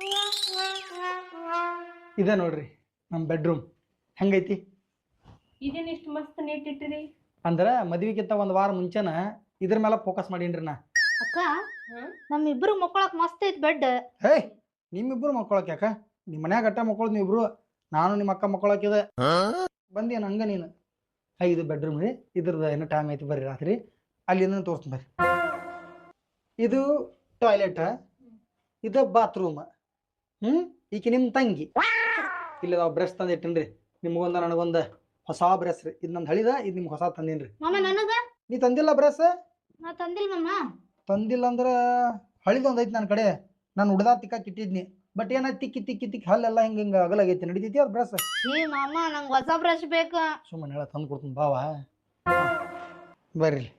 ಇದೆ ನೋಡ್ರಿ ನಮ್ಮ ಬೆಡ್ರೂಮ್ ಹೆಂಗೈತಿ
ಇದೇನ್ ಇಷ್ಟು ಮಸ್ತ್ ನೀಟ್ ಇಟ್ಟಿರಿ
ಅಂದ್ರೆ ಮದ್ವಿಗಿಂತ ಒಂದು ವಾರ ಮುಂಚೆನ ಇದ್ರ ಮೇಲೆ ಫೋಕಸ್ ಮಾಡೀನ್ರಿ ನಾ
ಅಕ್ಕ ನಮ್ಮಿಬ್ರು ಮಕ್ಕಳಕ್ ಮಸ್ತ್ ಐತ್ ಬೆಡ್
ಹೇ ನಿಮ್ಮಿಬ್ರು ಮಕ್ಕೊಳಕ್ ಯಾಕ ನಿಮ್ಮ ಮನ್ಯಾಗ ಗಟ್ಟ ಮಕ್ಕಳು ನೀವಿಬ್ರು ನಾನು ನಿಮ್ಮ ಅಕ್ಕ ಮಕ್ಕಳಕ್ಕಿದೆ ಬಂದೇನು ಹಂಗ ನೀನು ಇದು ಬೆಡ್ರೂಮ್ ರೀ ಇದ್ರದ್ದು ಏನೋ ಟೈಮ್ ಐತಿ ಬರ್ರಿ ರಾತ್ರಿ ಅಲ್ಲಿ ತೋರಿಸ್ತೀನಿ ಬರ್ರಿ ಇದು ಟಾಯ್ಲೆಟ್ ಇದು ಬಾತ್ರೂಮ್ ಈಕೆ ನಿಮ್ಮ ತಂಗಿ ಇಲ್ಲ ನಾವು ಬ್ರಷ್ ತಂದು ಇಟ್ಟೇನ್ರಿ ನಿಮ್ಗೊಂದ ನನಗೊಂದ ಹೊಸ ಬ್ರಷ್ ರೀ ಇದು ನಂದು ಹಳಿದ ಇದು ನಿಮ್ಗೆ ಹೊಸ ತಂದೇನ್ರಿ
ಮಾಮ ನನಗ
ನೀ ತಂದಿಲ್ಲ ಬ್ರಷ್
ನಾ ತಂದಿಲ್ ಮಾಮ
ತಂದಿಲ್ಲ ಅಂದ್ರೆ ಹಳಿದೊಂದು ಐತಿ ನನ್ನ ಕಡೆ ನಾನು ಹುಡ್ದ ತಿಕ್ಕಾಕ್ ಇಟ್ಟಿದ್ನಿ ಬಟ್ ಏನಾಯ್ತು ತಿಕ್ಕಿ ತಿಕ್ಕಿ ತಿಕ್ಕಿ ಹಲ್ಲೆಲ್ಲ ಹಿಂಗೆ ಹಿಂಗೆ ಅಗಲಾಗೈತಿ ನಡಿತೈತಿ ಅದು ಬ್ರಷ್
ಏ ಮಾಮ ನಂಗೆ ಹೊಸ ಬ್ರಷ್ ಬೇಕಾ
ಸುಮ್ಮನೆ ಹೇಳ ತಂದು ಕೊಡ್ತೀನಿ ಬಾವ ಬರ್ರಿ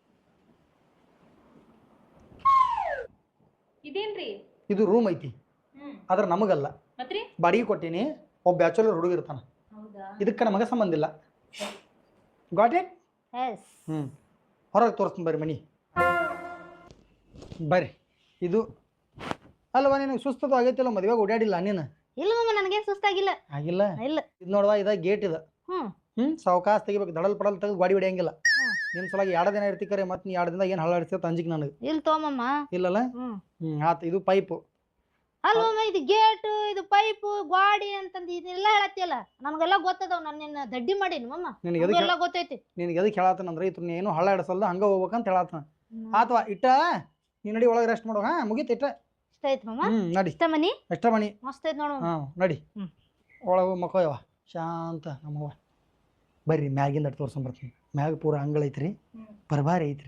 ಇದೇನ್ರಿ
ಇದು ರೂಮ್ ಐತಿ ಆದ್ರೆ ನಮಗಲ್ಲ
ಮತ್ರಿ
ಬಾಡಿಗೆ ಕೊಟ್ಟೀನಿ ಒಬ್ಬ ಬ್ಯಾಚುಲರ್ ಹುಡುಗ ಇರ್ತಾನ
ಹೌದಾ
ಇದಕ್ಕೆ ನಮಗೆ ಸಂಬಂಧ ಇಲ್ಲ ಗಾಟ್ ಇಟ್
ಎಸ್
ಹೊರಗೆ ತೋರಿಸ್ತೀನಿ ಬರ್ರಿ ಮನಿ ಬರ್ರಿ ಇದು ಅಲ್ವಾ ನಿನಗೆ ಸುಸ್ತದ ಆಗೈತಿಲ್ಲ ಮದುವೆಗೆ ಓಡಾಡಿಲ್ಲ ನೀನು
ಇಲ್ಲ ಮಾಮ ನನಗೇನ್ ಸುಸ್ತಾಗಿಲ್ಲ
ಆಗಿಲ್ಲ
ಇಲ್ಲ
ಇದು ನೋಡುವ ಇದ ಗೇಟ್ ಇದು ಸಾವಕಾಶ ತೆಗಿಬೇಕು ದಡಲ್ ಪಡಲ್ ತೆಗೆದು ಗಾಡಿ ಹೊಡಿಯಂಗಿಲ್ಲ ನಿನ್ ಸಲಾಗಿ 2 ದಿನ ಇರ್ತಿಕರೆ ಮತ್ತೆ ನೀ 2 ದಿನ ಏನು ಹಳ್ಳಾಡಿಸ್ತೇವೆ ಅಂಜಿಕ್ ನನಗೆ
ಇಲ್ಲ ತೋಮಮ್ಮ
ಇಲ್ಲಲ್ಲ ಆತ ಇದು ಪೈಪು
ಅಲ್ಲ ಮಾಮ ಇದು ಗೇಟ್ ಇದು ಪೈಪ್ ಗಾಡಿ ಅಂತಂದು ಇದೆಲ್ಲ ಹೇಳತ್ತಿಯಲ್ಲ ನನಗೆಲ್ಲ ಗೊತ್ತದವ್ ನಾನು ನಿನ್ನ ದಡ್ಡಿ ಮಾಡೀನಿ ಮಾಮ
ನಿನಗೆ
ಎಲ್ಲ ಗೊತ್ತೈತಿ
ನಿನಗೆ ಎದಕ್ಕೆ ಹೇಳತ್ತನಂದ್ರೆ ಇತ್ರ ಏನು ಹಳ್ಳ ಇಡಸಲ್ದ ಹಂಗ ಹೋಗ್ಬೇಕಂತ ಹೇಳತ್ತನ ಆತವಾ ಇಟ್ಟ ನೀ ನಡಿ ಒಳಗೆ ರೆಸ್ಟ್ ಮಾಡೋ ಮುಗೀತು ಇಟ್ಟ
ಇಷ್ಟ ಐತಿ ಮಾಮ
ನಡಿ
ಇಷ್ಟ ಮನಿ
ಎಷ್ಟ ಮನಿ
ಮಸ್ತ್ ಐತಿ ನೋಡು
ನಡಿ ಒಳಗೆ ಮಕ್ಕಳವ ಶಾಂತ ನಮ್ಮವ್ವ ಬರ್ರಿ ಮ್ಯಾಗಿಂದ ಅಟ್ ತೋರ್ಸ್ಕೊಂಡ್ ಬರ್ತೀನಿ ಮ್ಯಾಗ ಪೂರ ಅಂಗಳ ಐತ್ರಿ ಬರಬಾರಿ ಐತ್ರಿ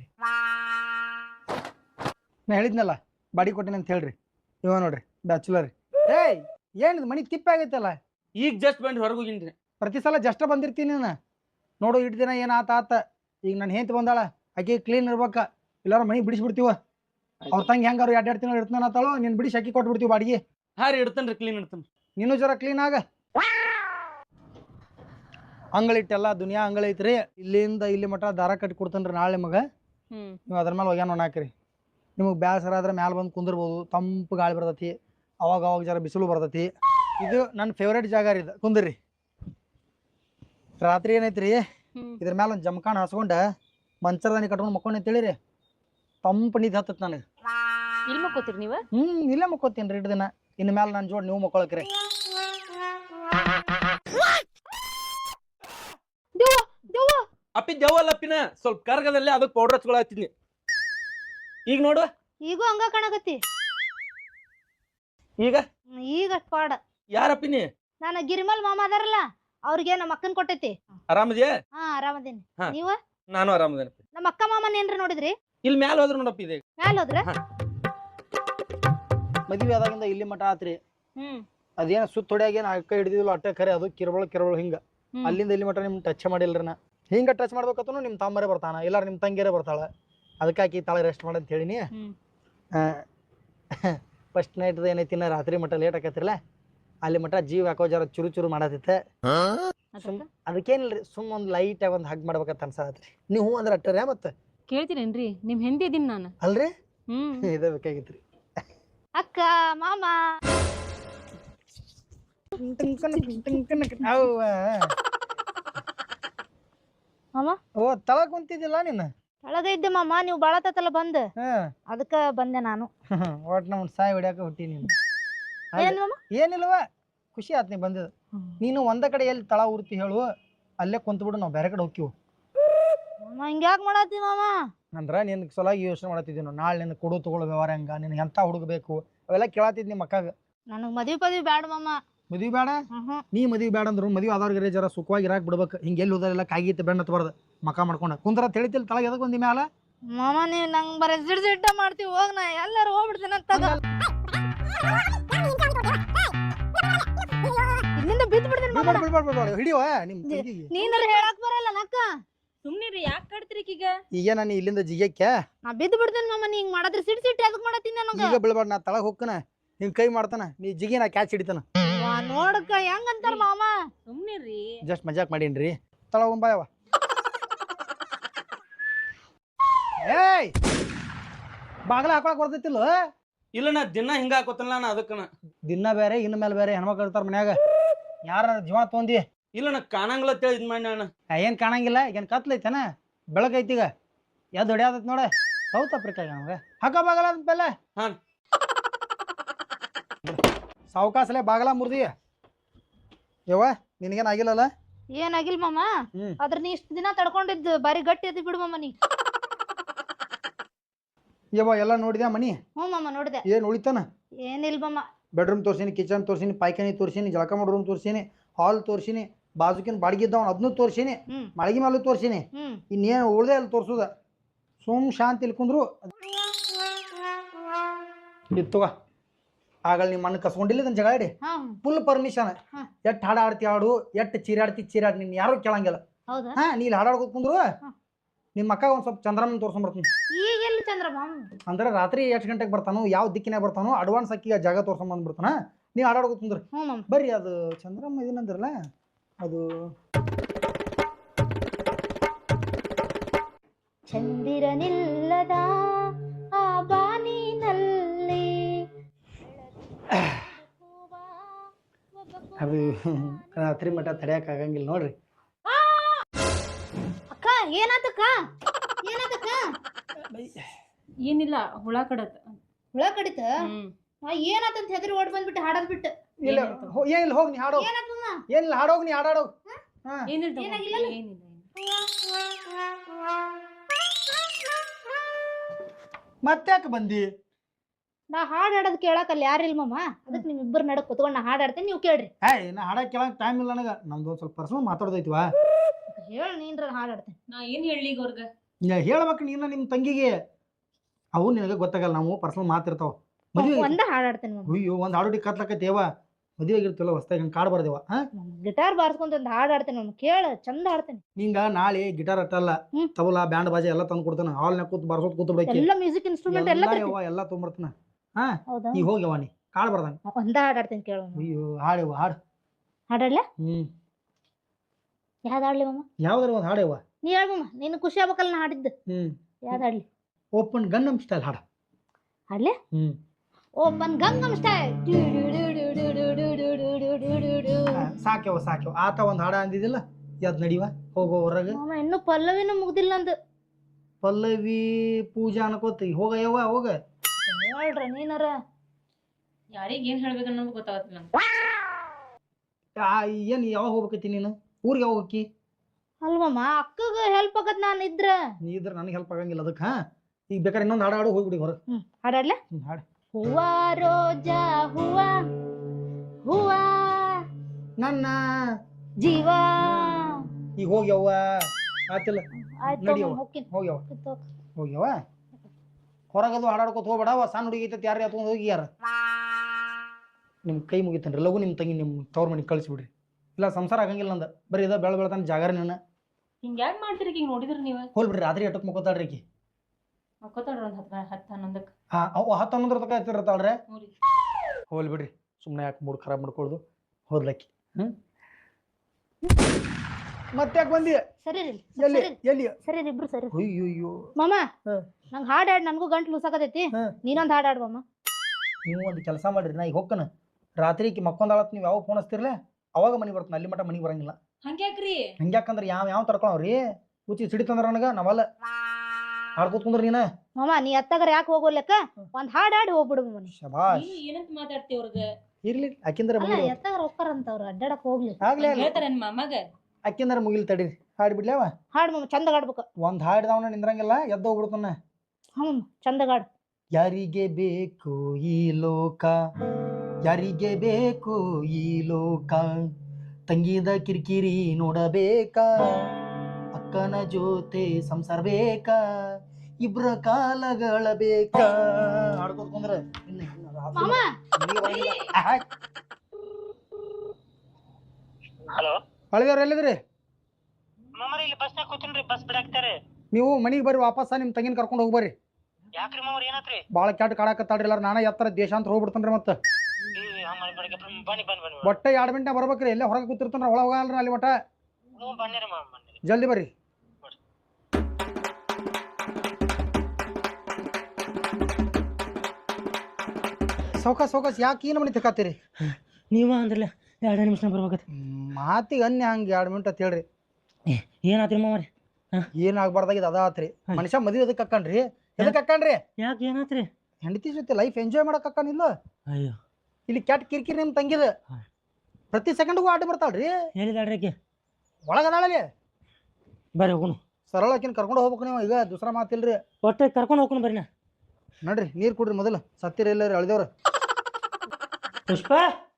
ನಾ ಹೇಳಿದ್ನಲ್ಲ ಬಾಡಿ ಕೊಟ್ಟಿನಿ ಅಂತ ಹೇಳ್ರಿ ಇವ ನೋಡ್ರಿ ಬ್ಯಾಚುಲರ್ ಏಯ್ ಏನಿದು ಮನಿ ತಿಪ್ಪ ಆಗೈತಲ್ಲ
ಈಗ ಜಸ್ಟ್ ಬಂದು ಹೊರಗೆ ಹೋಗಿನ್ರಿ
ಪ್ರತಿ ಸಲ ಜಸ್ಟ್ ಬಂದಿರ್ತೀನಿ ನಾನು ನೋಡು ಇಟ್ಟು ದಿನ ಏನು ಆತ ಈಗ ನಾನು ಹೆಂತ ಬಂದಾಳ ಆಕೆ ಕ್ಲೀನ್ ಇರ್ಬೇಕ ಇಲ್ಲಾರ ಮನಿ ಬಿಡಿಸ್ಬಿಡ್ತೀವ ಅವ್ರ ತಂಗಿ ಹೆಂಗಾರು 2 ತಿಂಗಳು ಇರ್ತಾನ ಆತಾಳು ನೀನು ಬಿಡಿಸಿ ಅಕ್ಕಿ ಕೊಟ್ಬಿಡ್ತೀವಿ ಬಾಡಿಗೆ
ಹಾ ರೀ ಇಡ್ತೇನ್ರಿ ಕ್ಲೀನ್ ಇಡ್ತೇನೆ
ನೀನು ಜರ ಕ್ಲೀನ್ ಆಗ ಅಂಗಳಿಟ್ಟೆಲ್ಲ ದುನಿಯಾ ಅಂಗಳ ಐತ್ರಿ ಇಲ್ಲಿಂದ ಇಲ್ಲಿ ಮಟ್ಟ ದಾರ ಕಟ್ಟಿ ಕೊಡ್ತೇನ್ರಿ ನಾಳೆ ಮಗ ನೀವು ಅದ್ರ ಮೇಲೆ ಒಗ್ಯಾನ ಹಾಕ್ರಿ ನಿಮಗೆ ಬ್ಯಾಸರ ಆದ್ರೆ ಮ್ಯಾಲೆ ಬಂದು ಕುಂದಿರ್ಬೋದು ತಂಪು ಗಾಳಿ ಬರ್ತೈತಿ ಅವಾಗ ಜರ ಬಿಸಿಲು ಬರ್ತೈತಿ ಇದು ನನ್ನ ಫೇವ್ರೇಟ್ ಜಾಗ ರೀ ಇದು ಕುಂದ್ರಿ ರಾತ್ರಿ ಏನೈತ್ರಿ ಇದ್ರ ಮೇಲೆ ಒಂದು ಜಮಖಾನ ಹಾಸ್ಕೊಂಡ ಮಂಚರದಾನಿ ಕಟ್ಕೊಂಡು ಮಕ್ಕೊಂಡು ತಿಳಿರಿ ತಂಪು ನಿಧಿ ಹತ್ತತ್ ನನಗೆ
ಇಲ್ಲಿ ಮಕ್ಕೋತೀರಿ ನೀವು
ಇಲ್ಲೇ ಮಕ್ಕೋತೀನಿ ರೀ 2 ದಿನ ಇನ್ನು ಮೇಲೆ ನನ್ನ ಜೋಡಿ ನೀವು ಮಕ್ಕೊಳಕ್ರಿ
ಅಪ್ಪಿ ಜವಲ್ ಅಪ್ಪಿನ ಸ್ವಲ್ಪ ಕರ್ಗದಲ್ಲಿ ಅದಕ್ಕೆ ಪೌಡರ್ ಹಚ್ಕೊಳತ್ತೀನಿ ಈಗ ನೋಡು
ಈಗೂ ಹಂಗ ಕಾಣಕತ್ತಿ
ಈಗ
ಈಗ ಪಾಡ
ಯಾರಪ್ಪಿನಿ
ನಾನು ಗಿರಿಮಲ್ ಮಾಮ ಅದಾರಲ್ಲ ಅವ್ರಿಗೆ ನಮ್ಮ ಅಕ್ಕನ್ ಕೊಟ್ಟೈತಿ
ಆರಾಮದ್ಯಾ
ಹಾ ಆರಾಮದೇನಿ
ಹಾ.
ನೀವ
ನಾನು ಆರಾಮದೇನಪ್ಪ
ನಮ್ಮ ಅಕ್ಕ ಮಾಮನ ಏನ್ರ ನೋಡಿದ್ರಿ
ಇಲ್ಲಿ ಮ್ಯಾಲ ಹೋದ್ರು ನೋಡಪ್ಪ ಇದೆ
ಮ್ಯಾಲ ಹೋದ್ರ
ಮದುವೆ ಆದಾಗಿಂದ ಇಲ್ಲಿ ಮಠ ಆತ್ರಿ ಅದೇನ ಸುತ್ತ ಹೊಡ್ಯಾಗೇನು ಅಕ್ಕ ಹಿಡಿದಿಲ್ಲ ಅಟ್ಟೆ ಖರೆ ಅದು ಕಿರಬಳ ಹಿಂಗ ಅಲ್ಲಿಂದ ಇಲ್ಲಿ ಮಠ ನಿಮ್ ಟಚ್ ಮಾಡಿಲ್ರಿ ನಾ ಹಿಂಗ ಟಚ್ ಮಾಡ್ಬೇಕತ್ತೂ ನಿಮ್ ತಮ್ಮರೇ ಬರ್ತಾನ ಇಲ್ಲಾರ ನಿಮ್ ತಂಗಿಯರೇ ಬರ್ತಾಳ ಅದಕ್ಕೆ ಆಕಿ ತಾಳೆ ರೆಸ್ಟ್ ಮಾಡಿ ಅಂತ ಹೇಳಿನಿ ಫಸ್ಟ್ ನೈಟ್ ಏನೈತಿ ರಾತ್ರಿ ಮಟ್ಟ ಲೇಟ್ ಆಕೈತಿರಲ್ಲ ಅಲ್ಲಿ ಮಟ್ಟ ಜೀವ ಯಾಕೋ ಜರ ಚುರು ಚುರು ಮಾಡತ್ತಿತ್ತೆ ಅದಕ್ಕೇನಿಲ್ರಿ ಸುಮ್ ಒಂದ್ ಲೈಟ್ ಆಗಿ ಒಂದ್ ಹಗ್ ಮಾಡ್ಬೇಕಂತ ಅನ್ಸತ್ರಿ ನೀವು ಅಂದ್ರೆ ಅಟ್ಟರ್ಯಾ ಮತ್ತೆ
ಕೇಳ್ತೀರೇನ್ರಿ ನಿಮ್ ಹೆಂಡತಿ ಇದೀನಿ ನಾನು
ಅಲ್ರಿ ಇದೇ ಬೇಕಾಗಿತ್ರಿ
ಅಕ್ಕ ಮಾಮ ಮಾಮ
ಓ ತಳ ಕುಂತಿದ್ದಿಲ್ಲ ನೀನು
ಒಳಗ ಇದ್ದೆ ಮಾಮ ನೀವು ಬಾಳ ತತ್ತಲ್ಲ ಬಂದ್ ಅದಕ್ಕ ಬಂದೆ ನಾನು
ಒಟ್ ನಮ್ ಸಾಯಿ ಹೊಡ್ಯಾಕ ಹುಟ್ಟಿ ನೀನು
ಏನ್ ಮಾಮ
ಏನಿಲ್ವ ಖುಷಿ ಆತ್ ನೀ ಬಂದಿದ್ದು ನೀನು ಒಂದ ಕಡೆ ಎಲ್ಲಿ ತಳ ಉರ್ತಿ ಹೇಳು ಅಲ್ಲೇ ಕುಂತ್ಬಿಡು ನಾವು ಬೇರೆ ಕಡೆ ಹೋಗ್ತೀವಿ
ಮಾಮ ಹಿಂಗ್ಯಾಕ್ ಮಾಡತ್ತಿ ಮಾಮ
ಅಂದ್ರ ನಿನ್ ಸಲುವಾಗಿ ಯೋಚನೆ ಮಾಡತ್ತಿದ್ದೀವಿ ನಾಳೆ ನಿನ್ ಕೊಡು ತಗೊಳ್ಳೋ ವ್ಯವಹಾರ ಹೆಂಗ ನಿನ್ ಎಂತ ಹುಡುಗಬೇಕು ಅವೆಲ್ಲ ಕೇಳತ್ತಿದ್ ನಿಮ್ಮ ಅಕ್ಕಾಗ
ನನಗ್ ಮದ್ವಿ ಪದವಿ ಬ್ಯಾಡ ಮಾಮ
ಮದ್ವಿ ಬೇಡ ನೀ ಮದ್ವಿ ಬೇಡ ಅಂದ್ರು ಮದ್ವಿ ಆದವ್ರಿಗೆ ಜರ ಸುಖವಾಗಿ ಇರಾಕ್ ಬಿಡ್ಬೇಕು ಹಿಂಗೆ ಎಲ್ಲಿ ಹೋದರೆಲ್ಲ ಕಾಗಿತ್ತು ಬೆಣ್ಣ ಹತ್ಬಾರ್ದು ಮಕ ಮಾಡ್ಕೊಂಡ ಕುಂದ್ರ ತಿಳಿತಿಲ್ ತಳಗ ಎದಕ್ ಬಂದಿ ಮ್ಯಾಲ
ಮಾಮ ನೀವ್ ನಂಗ್ ಬರೀ ಸಿಡ್ಸಿಟ್ಟ ಮಾಡ್ತೀವಿ ಹೋಗ್ ನಾ ಎಲ್ಲಾರು ಹೋಗ್ಬಿಡ್ತೇನೆ ತಗ ಇಲ್ಲಿಂದ ಬಿದ್ದು ಬಿಡ್ತೀನಿ ಮಾಮ
ಹಿಡಿಯುವ ನಿಮ್ ತಂಗಿಗೆ
ನೀನಾರ ಹೇಳಕ್ ಬರಲ್ಲ ನಕ್ಕ
ಸುಮ್ನಿರಿ ಯಾಕೆ ಕಡ್ತೀರಿ ಈಗ
ಈಗ ನಾನು ಇಲ್ಲಿಂದ ಜಿಗಕ್ಕೆ
ನಾ ಬಿದ್ದು ಬಿಡ್ತೇನೆ ಮಾಮ ನೀ ಹಿಂಗ್ ಮಾಡಿದ್ರೆ ಸಿಡ್ಸಿಟ್ಟು ಅದಕ್ಕೆ ಮಾಡತ್ತೀನಿ ನನಗ
ಈಗ ಬೀಳ್ಬಾರ್ದು ನಾ ತಳಗ್ ಹೋಗ್ಕನ ಹಿಂಗ್ ಕೈ ಮಾಡ್ತಾನ ನೀ ಜಿಗಿ ನಾ ಕ್ಯಾಚ್ ಹಿಡಿತಾನ
ನೋಡಕ್ಕ ಹೆಂಗಂತಾರ ಮಾಮ
ಸುಮ್ನಿರಿ
ಜಸ್ಟ್ ಮಜಾಕ್ ಮಾಡೀನ್ರಿ ತಳಗ್ ಬಾಯವ ಏಯ್ ಬಾಗಲ ಹಾಕೊಳಕ್ ಬರ್ತೈತಿಲ್ಲ
ಇಲ್ಲ ನಾ ದಿನ ಹಿಂಗ ಹಾಕೋತಲ್ಲ ನಾ ಅದಕ್ಕನ
ದಿನ ಬೇರೆ ಇನ್ನ ಮೇಲೆ ಬೇರೆ ಹೆಣ್ಮಕ್ಳು ಇರ್ತಾರ ಮನ್ಯಾಗ ಯಾರ ಜೀವ ತೊಂದಿ
ಇಲ್ಲ ನಾ ಕಾಣಂಗಿಲ್ಲ ಅಂತೇಳಿ ಇದ್ ಮಾಡಿ ನಾನು
ಏನ್ ಕಾಣಂಗಿಲ್ಲ ಏನ್ ಕತ್ಲೈತೇನ ಬೆಳಕೈತಿ ಈಗ ಎದ್ದು ಹೊಡ್ಯಾದತ್ ನೋಡ ಸೌತ್ ಆಫ್ರಿಕಾ ನಮ್ಗೆ ಹಾಕ ಬಾಗಲ ಬೆಲ್ಲ
ಹಾ
ಸಾವಕಾಸಲೆ ಬಾಗಲ ಮುರ್ದಿ ಯವ್ವ ನಿನಗೇನ್ ಆಗಿಲ್ಲಲ್ಲ
ಏನಾಗಿಲ್ ಮಾಮ ಆದ್ರ ನೀ ಇಷ್ಟ ದಿನ ತಡ್ಕೊಂಡಿದ್ದು ಬಾರಿ ಗಟ್ಟಿ ಅದಿ ಬಿಡು ಮಾಮ ನೀ
ಯವ್ವ ಎಲ್ಲ ನೋಡಿದ್ಯಾ ಮನಿ
ಹ್ಞೂ ಮಾಮ ನೋಡಿದೆ
ಏನ್ ಉಳಿತಾನ
ಏನಿಲ್ ಮಾಮ
ಬೆಡ್ರೂಮ್ ತೋರ್ಸಿನಿ ಕಿಚನ್ ತೋರ್ಸಿನಿ ಪಾಯ್ಖಾನಿ ತೋರ್ಸಿನಿ ಜಳಕ ಮಾಡೋ ರೂಮ್ ತೋರ್ಸಿನಿ ಹಾಲ್ ತೋರ್ಸಿನಿ ಬಾಜುಕಿನ ಬಾಡಿಗೆ ಇದ್ದವನ್ ಅದನ್ನು ತೋರ್ಸಿನಿ ಮಳಗಿ ಮೇಲೂ ತೋರ್ಸಿನಿ ಇನ್ನೇನು ಉಳ್ದೆ ಅಲ್ಲಿ ತೋರ್ಸುದ ಸುಮ್ ಶಾಂತಿ ಇಲ್ಲಿ ಕುಂದ್ರು ಇತ್ತುವ ಆಗಳ ನಿಮ್ಮ ಮಣ್ಣು ಕಸ್ಕೊಂಡಿಲ್ಲ ಇದನ್ನ ಜಗಾಡಿ ಫುಲ್ ಪರ್ಮಿಷನ್ ಎಟ್ ಹಾಡ ಆಡ್ತಿ ಆಡು ಎಟ್ ಚೀರಾಡ್ತಿ ಚೀರಾಡ್ ನಿನ್ ಯಾರು ಕೇಳಂಗಿಲ್ಲ ಹಾ ನೀ ಇಲ್ಲಿ ಹಾಡಾಡ್ಕೋತ ಕುಂದ್ರು ನಿಮ್ಮ ಅಕ್ಕ ಒಂದ್ ಸ್ವಲ್ಪ ಚಂದ್ರಮ್ಮನ ತೋರ್ಸ್ಕೊಂಬರ್ತೀನಿ
ಈಗ ಎಲ್ಲಿ ಚಂದ್ರಮ್ಮ
ಅಂದ್ರೆ ರಾತ್ರಿ ಎಷ್ಟು ಗಂಟೆಗೆ ಬರ್ತಾನೋ ಯಾವ ದಿಕ್ಕಿನಾಗ ಬರ್ತಾನೋ ಅಡ್ವಾನ್ಸ್ ಅಕ್ಕಿ ಆ ಜಾಗ ತೋರ್ಸ್ಕೊಂಬಂದ್ಬಿಡ್ತಾನ ನೀ ಹಾಡಾಡ್ಕೋತ ಕುಂದ್ರಿ ಬರ್ರಿ ಅದು ಚಂದ್ರಮ್ಮ ಇದನ್ನಂದ್ರಲ್ಲ ಅದು
ಚಂದಿರನಿಲ್ಲದ ಆ ಬಾನಿನಲ್ಲಿ
ಅದು ರಾತ್ರಿ ಮಠ ತಡೆಯಕ್ ಆಗಂಗಿಲ್ಲ ನೋಡ್ರಿ
ಅಕ್ಕ ಏನಾತಕ್ಕ ಏನಾತಕ್ಕ
ಏನಿಲ್ಲ ಹುಳ ಕಡತ್
ಹುಳ ಕಡಿತ ಏನಾತಂತ ಹೆದರಿ ಓಡ್ ಬಂದ್ಬಿಟ್ಟು ಹಾಡದ್ ಬಿಟ್ಟು
ಇಲ್ಲ ಏನಿಲ್ಲ ಹೋಗ್ ನೀ ಹಾಡೋ ಏನಿಲ್ಲ ಹಾಡೋಗ್ ನೀ ಹಾಡಾಡೋಗ್ ಮತ್ತ್ಯಾಕೆ ಬಂದಿ
ನಾ ಹಾಡಾಡೋದ್ ಕೇಳಕ್ ಅಲ್ಲಿ ಯಾರಿಲ್ಲ ಮಾಮ ಅದಕ್ಕೆ ನಿಮ್ ಇಬ್ಬರು ನಡಕ್ ಕುತ್ಕೊಂಡ್ ನಾ ಹಾಡಾಡ್ತೇನೆ ನೀವು ಕೇಳ್ರಿ
ನಾ ಹಾಡಕ್ ಕೇಳಕ್ ಟೈಮ್ ಇಲ್ಲ ನನಗ ನಮ್ದು ಒಂದ್ ಸ್ವಲ್ಪ ಪರ್ಸನಲ್ ಮಾತಾಡ್ದೈತಿವಾ
ಹೇಳ ನೀನ್ರ ಹಾಡಾಡ್ತೇನೆ
ನಾ ಏನ್ ಹೇಳಿ ಈಗ ಅವ್ರಗ
ಹೇಳ್ಬೇಕು ನೀನ ನಿಮ್ ತಂಗಿಗೆ ಅವು ನಿನಗೆ ಗೊತ್ತಾಗಲ್ಲ ನಾವು ಪರ್ಸನಲ್ ಮಾತಿರ್ತಾವ ಮದುವೆ
ಒಂದ ಹಾಡಾಡ್ತೇನೆ
ಅಯ್ಯೋ ಒಂದ್ ಹಾಡೋಡಿ ಕತ್ಲಕತ್ತೇವ ಮದುವೆ ಆಗಿರ್ತಿಲ್ಲ ಹೊಸ್ತಾಗ ಹಂಗೆ ಕಾಡ್ ಬರ್ದೇವ
ಗಿಟಾರ್ ಬಾರ್ಸ್ಕೊಂತ ಒಂದ್ ಹಾಡಾಡ್ತೇನೆ ಮಾಮ ಕೇಳ ಚಂದ ಹಾಡ್ತೇನೆ
ನಿಂಗ ನಾಳೆ ಗಿಟಾರ್ ಅಟ್ಟಲ್ಲ ತಬಲಾ ಬ್ಯಾಂಡ್ ಬಾಜಿ ಎಲ್ಲ ತಂದು ಕೊಡ್ತಾನ ಹಾಲ್ನ ಕೂತ್ ಬಾರ್ಸೋತ್ ಕೂತ್ ಬಿಡಕ್ಕೆ
ಎಲ್ಲ ಮ್ಯೂಸಿಕ್ ಇನ್ಸ್ಟ್ರೂಮೆಂಟ್ ಎಲ್ಲ
ಎಲ್ಲ ತೊಗೊಂಬರ್ತಾನ ಹಾ ಈ ಹೋಗ್ಯವ ನೀ ಕಾಡ್ ಬರ್ದಂಗ
ಒಂದ ಹಾಡಾಡ್ತೇನೆ ಕೇಳ
ಅಯ್ಯೋ ಹಾಡೇವ ಹಾಡು
ಹಾಡಾಡ್ಲ ಯಾವ್ದು ಹಾಡ್ಲಿ ಮಾಮ
ಯಾವ್ದಾರ ಒಂದ್ ಹಾಡೇವ
ನೀ ಹೇಳ ಮಾಮ ನೀನು ಖುಷಿ ಆಗ್ಬೇಕಲ್ಲ ನಾ ಹಾಡಿದ್ದು ಯಾವ್ದು ಹಾಡ್ಲಿ
ಓಪನ್ ಗನ್ನಮ್ ಸ್ಟೈಲ್ ಹಾಡ
ಹಾಡ್ಲಿ ಓಪನ್ ಗಂಗಮ್ ಸ್ಟೈಲ್
ಸಾಕ್ಯವ ಸಾಕ್ಯವ ಆತ ಒಂದ್ ಹಾಡ ಅಂದಿದಿಲ್ಲ ಯಾವ್ದು ನಡಿವ ಹೋಗೋ ಹೊರಗೆ
ಮಾಮ ಇನ್ನು ಪಲ್ಲವಿನೂ ಮುಗ್ದಿಲ್ಲ ಅಂದು
ಪಲ್ಲವಿ ಪೂಜಾ ಅನ್ಕೋತಿ ಹೋಗ ಯವ್ವ ಹೋಗ
ಹೇಳ್ರ ನೀನಾರ
ಯಾರಿಗ ಏನ್ ಹೇಳ್ಬೇಕು ಅನ್ನೋದು ಗೊತ್ತಾಗತ್ತಿಲ್ಲ
ಏನ್ ಯಾವಾಗ ಹೋಗ್ಬೇಕೈತಿ ನೀನು ಊರಿಗೆ ಯಾವಾಗ ಹೋಗಿ
ಅಲ್ವಮ್ಮ ಅಕ್ಕಗ ಹೆಲ್ಪ್ ಆಗತ್ ನಾನು ಇದ್ರ
ನೀ ಇದ್ರ ನನಗೆ ಹೆಲ್ಪ್ ಆಗಂಗಿಲ್ಲ ಅದಕ್ಕೆ ಹಾ ಈಗ ಬೇಕಾದ್ರೆ ಇನ್ನೊಂದು ಹಾಡು ಹಾಡು ಹೋಗ್ಬಿಡಿ ಹೊರ
ಹಾಡಾಡ್ಲ
ಹಾಡು
ಹೂವ ರೋಜಾ ಹೂವ ಹೂವ
ನನ್ನ
ಜೀವ
ಈಗ ಹೋಗ್ಯವ್ವ ಆತಿಲ್ಲ ನಡಿಯವ್ವ
ಹೋಗ್ತೀನಿ
ಹೋಗ್ಯವ ಹೋಗ್ಯವ ಹೊರಗದು ಹಾಡಾಡ್ಕೊತ ಹೋಗ್ಬೇಡವ ಸಣ್ಣ ಹುಡುಗಿ ಐತೈತಿ ಯಾರು ಎತ್ಕೊಂಡು ಹೋಗಿ ಯಾರ ನಿಮ್ ಕೈ ಮುಗಿತನ್ರಿ ಲಗು ನಿಮ್ ತಂಗಿ ನಿಮ್ ತವ್ರ ಮನೆಗೆ ಕಳಿಸ್ಬಿಡ್ರಿ ಇಲ್ಲ ಸಂಸಾರ ಆಗಂಗಿಲ್ಲ ನಂದ ಬರೀ ಇದ ಬೆಳ ಬೆಳತಾನ ಜಾಗರ ನೀನ
ಹಿಂಗ ಯಾಕೆ ಮಾಡ್ತೀರಿ ಈಗ ನೋಡಿದ್ರಿ ನೀವು
ಹೋಲ್ಬಿಡ್ರಿ ರಾತ್ರಿ ಎಟ್ಟಕ್ ಮುಕ್ಕೋತಾಳ್ರಿ ಆಕಿ
ಮಕ್ಕೋತಾಳ್ರಿ ಒಂದ್ 10-11
ಹಾ ಅವು 10-11 ತನಕ ಎತ್ತಿರ್ತಾಳ್ರೆ ಹೋಲ್ಬಿಡ್ರಿ ಸುಮ್ಮನೆ ಯಾಕೆ ಮೂಡ್ ಖರಾಬ್ ಮಾಡ್ಕೊಳ್ದು ಹೋದ್ಲಕ್ಕಿ ಮತ್ತೆ ಯಾಕೆ ಬಂದಿ
ಸರಿ
ಎಲ್ಲಿ ಎಲ್ಲಿ
ಸರಿ ಇಬ್ರು ಸರಿ
ಅಯ್ಯೋ
ಮಾಮ ನಂಗೆ ಹಾಡಾಡ್ ನನಗೂ ಗಂಟ್ಲು ಲೂಸಾಕತೈತಿ ನೀನೊಂದು ಹಾಡಾಡ್ ಮಾಮ
ನೀವು ಒಂದು ಕೆಲಸ ಮಾಡ್ರಿ ನಾ ಈಗ ಹೋಗ್ಕನ ರಾತ್ರಿ ಮಕ್ಕೊಂದಾಳತ್ ನೀವು ಯಾವ ಫೋನ್ ಹಚ್ತಿರ್ಲೆ ಅವಾಗ ಮನೆ ಬರ್ತಾನೆ ಅಲ್ಲಿ ಮಟ್ಟ ಮನೆಗೆ ಬರಂಗಿಲ್ಲ
ಹಂಗ್ಯಾಕ್ರಿ
ಹಂಗ್ಯಾಕಂದ್ರೆ ಯಾವ ತಡ್ಕೊಳವ್ರಿ ಕೂಚಿ ಸಿಡಿತಂದ್ರ ನನಗ ನಾವಲ್ಲ ಹಾಡ್ಕೊತ್ಕೊಂಡ್ರಿ ನೀನ
ಮಾಮ ನೀ ಅತ್ತಾಗರ ಯಾಕೆ ಹೋಗೋಲ್ಲಕ್ಕ ಒಂದ್ ಹಾಡಾಡಿ ಹೋಗ್ಬಿಡು ಮನಿ
ಶಬಾಷ್
ಏನಂತ ಮಾತಾಡ್ತಿ ಅವ್ರಗ
ಇರ್ಲಿ ಅಕ್ಕಿಂದ್ರ
ಎತ್ತಾಗರ ಹೋಗ್ತಾರಂತ ಅವ್ರು ಅಡ್ಡಾಡಕ್ ಹೋಗ್ಲಿ
ಆಗ್ಲೇ
ಹೇಳ್ತಾರ ಮಾಮಗ
ಅಕ್ಕಿಂದ್ರ ಮುಗಿಲ್ ತಡೀರಿ ಹಾಡ್ಬಿಡ್ಲೇವ
ಹಾಡ್ ಮಾಮ ಚಂದ ಹಾಡ್ಬೇಕು
ಒಂದ್ ಹಾಡ್ದವನ ನಿಂದ್ರಂಗಿಲ್ಲ ಎದ್ದ ಹೋಗ್ಬಿಡ್ತಾನ
ಚಂದ ಹಾಡ್
ಯಾರಿಗೆ ಬೇಕು ಈ ಲೋಕ ಯಾರಿಗೆ ಬೇಕು ಈ ಲೋಕ ತಂಗಿದ ಕಿರಿಕಿರಿ ನೋಡಬೇಕಾ ಅಕ್ಕನ ಜೊತೆ ಸಂಸಾರ ಬೇಕಾ ಇಬ್ರ ಕಾಲಗಳ ಬೇಕ ಹಾಡ್ಕೋತ ಕುಂದ್ರೆ
ಹಲೋ
ಹಳದೇವ್ರ ಎಲ್ಲಿದ್ರಿ
ಮಾಮರ ಇಲ್ಲಿ ಬಸ್ನಾಗ ಕೂತೀನ್ರಿ ಬಸ್ ಬಿಡಾಕ್ತಾರೆ
ನೀವು ಮನಿಗೆ ಬರ್ರಿ ವಾಪಸ್ ನಿಮ್ ತಂಗಿನ ಕರ್ಕೊಂಡು ಹೋಗ್ಬರ್ರಿ
ಯಾಕ್ರಿ ಮಾಮರ ಏನಾತ್ರಿ
ಬಾಳ ಕೆಟ್ಟ ಕಾಡಕತ್ತಾಡ್ರಿ ಎಲ್ಲಾರ ನಾನ ಎತ್ತರ ದೇಶಾಂತರ ಹೋಗ್ಬಿಡ್ತಾನ್ರಿ ಮತ್ತ
ಬನ್ನಿ ಬನ್ನಿ ಬನ್ನಿ
ಒಟ್ಟ 2 ಗಂಟೆ ಬರ್ಬೇಕ್ರಿ ಎಲ್ಲೇ ಹೊರಗೆ ಕೂತಿರ್ತಾನ ಒಳ ಹೋಗಲ್ರಿ ಅಲ್ಲಿ ಒಟ್ಟ
ಹ್ಞೂ ಬನ್ನಿರಿ ಮಾಮ ಬನ್ನಿರಿ
ಜಲ್ದಿ ಬರ್ರಿ ಸೌಕಾಸ್ ಯಾಕೆ ಏನು ಮನಿ ತಕಾತೀರಿ
ನೀವ ಅಂದ್ರಲ್ಲ 2 ನಿಮಿಷ ಬರ್ಬೇಕತ್
ಮಾತಿಗೆ ಅನ್ಯ ಹಂಗೆ 2 ಮಿನಿಟ್ ಅಂತ ಹೇಳ್ರಿ
ಏನಾತ್ರಿ ಮಾಮರಿ
ಏನಾಗ್ಬಾರ್ದಾಗಿದ್ದು ಅದ ಆತ್ರಿ ಮನುಷ್ಯ ಮದುವೆ ಅದಕ್ಕೆ ಕಕ್ಕಣ್ರಿ ಎದಕ್ಕೆ ಕಕ್ಕಣ್ರಿ
ಯಾಕೆ ಏನಾತ್ರಿ
ಹೆಂಡತಿ ಜೊತೆ ಲೈಫ್ ಎಂಜಾಯ್ ಮಾಡಕ್ ಕಕ್ಕಣಿಲ್ಲ
ಅಯ್ಯೋ
ಇಲ್ಲಿ ಕೆಟ್ಟ ಕಿರಿಕಿರಿ ನಿಮ್ ತಂಗಿದ ಪ್ರತಿ ಸೆಕೆಂಡ್ಗೂ ಆಟ ಬರ್ತಾಳ್ರಿ
ಹೇಳಿದಾಳ್ರಿ ಆಕೆ
ಒಳಗದಾಳಲ್ಲಿ
ಬರ್ರಿ ಹೋಗುನು
ಸರಳ ಆಕಿನ ಕರ್ಕೊಂಡು ಹೋಗ್ಬೇಕು ನೀವು ಈಗ ದೂಸರ ಮಾತಿಲ್ರಿ
ಒಟ್ಟೆ ಕರ್ಕೊಂಡು ಹೋಗ್ಕೊಂಡು ಬರ್ರಿ ನಾ
ನೋಡ್ರಿ ನೀರ್ ಕುಡ್ರಿ ಮೊದಲು ಸತ್ತಿರ ಇಲ್ಲ ರೀ ಅಳ್ದೇವ್ರ
ಪುಷ್ಪ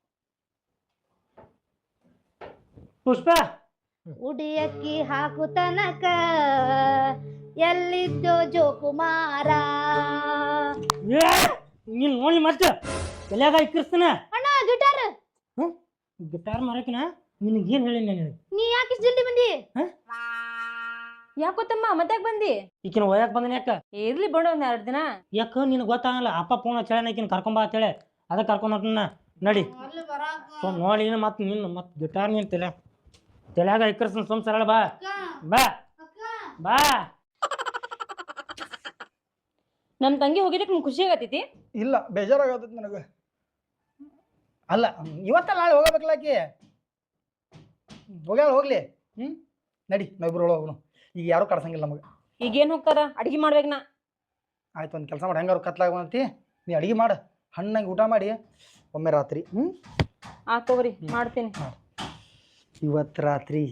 ಪುಷ್ಪ
ಉಡಿಯಕ್ಕಿ ಹಾಕು ತನಕ ಎಲ್ಲಿದ್ದೋ ಜೋಕುಮಾರ
ನೀನ್ ನೋಡಿ ಮತ್ತೆ ಎಲ್ಯಾಗ ಇಕ್ಕಿರ್ತಾನ
ಅಣ್ಣ ಗಿಟಾರ್
ಗಿಟಾರ್ ಮಾರಕಿನ ನಿನಗೆ ಏನ್ ಹೇಳಿ ನನಗೆ
ನೀ ಯಾಕೆ ಇಷ್ಟ್ ಜಲ್ದಿ ಬಂದಿ
ಯಾಕೋ ತಮ್ಮ ಮತ್ತ್ಯಾಕ್ ಬಂದಿ
ಈಕಿನ ಒಯ್ಯಾಕ ಬಂದನ ಯಾಕ
ಇರ್ಲಿ ಬಿಡು ಒಂದ್ 2 ದಿನ
ಯಾಕ ನಿನಗೆ ಗೊತ್ತಾಗಲ್ಲ ಅಪ್ಪ ಫೋನ್ ಹಚ್ಚಳ ಈಕಿನ ಕರ್ಕೊಂಬಾ ಅಂತೇಳಿ ಅದಕ್ಕೆ ಕರ್ಕೊಂಡು ಹೊಂಟನ ನಡಿ ನೋಡಿ ಮತ್ತೆ ನಿನ್ನ ಮತ್ತೆ ಗಿಟಾರ್ ನೀನ್ ತಲೆಯಾಗ ಇಕ್ಕರ್ಸನ್ ಸುಮ್ ಸರಳ ಬಾ ಬಾ ಬಾ
ನಮ್ ತಂಗಿ ಹೋಗಿದ್ದಕ್ಕೆ ನಿಮ್ಗೆ ಖುಷಿ ಆಗತೈತಿ
ಇಲ್ಲ ಬೇಜಾರಾಗತ್ತ ನನಗೆ ಅಲ್ಲ ಇವತ್ತ ನಾಳೆ ಹೋಗಬೇಕಲ್ಲ ಆಕಿ ಹೋಗ್ಲಿ ನಡಿ ನಾವಿಬ್ರು ಹೋಗೋಣ ಈಗ ಯಾರು ಕಡ್ಸಂಗಿಲ್ಲ ನಮಗೆ
ಈಗೇನ್ ಹೋಗ್ತಾರ ಅಡ್ಗಿ ಮಾಡ್ಬೇಕ್ ನಾ
ಆಯ್ತು ಒಂದು ಕೆಲಸ ಮಾಡಿ ಹೆಂಗಾರು ಕತ್ಲಾಗಂತಿ ನೀ ಅಡಿಗೆ ಮಾಡು ಹಣ್ಣಂಗೆ ಊಟ ಮಾಡಿ ಒಮ್ಮೆ ರಾತ್ರಿ
ಆ ತಗೋರಿ ಮಾಡ್ತೀನಿ
ಇವತ್ತು ರಾತ್ರಿ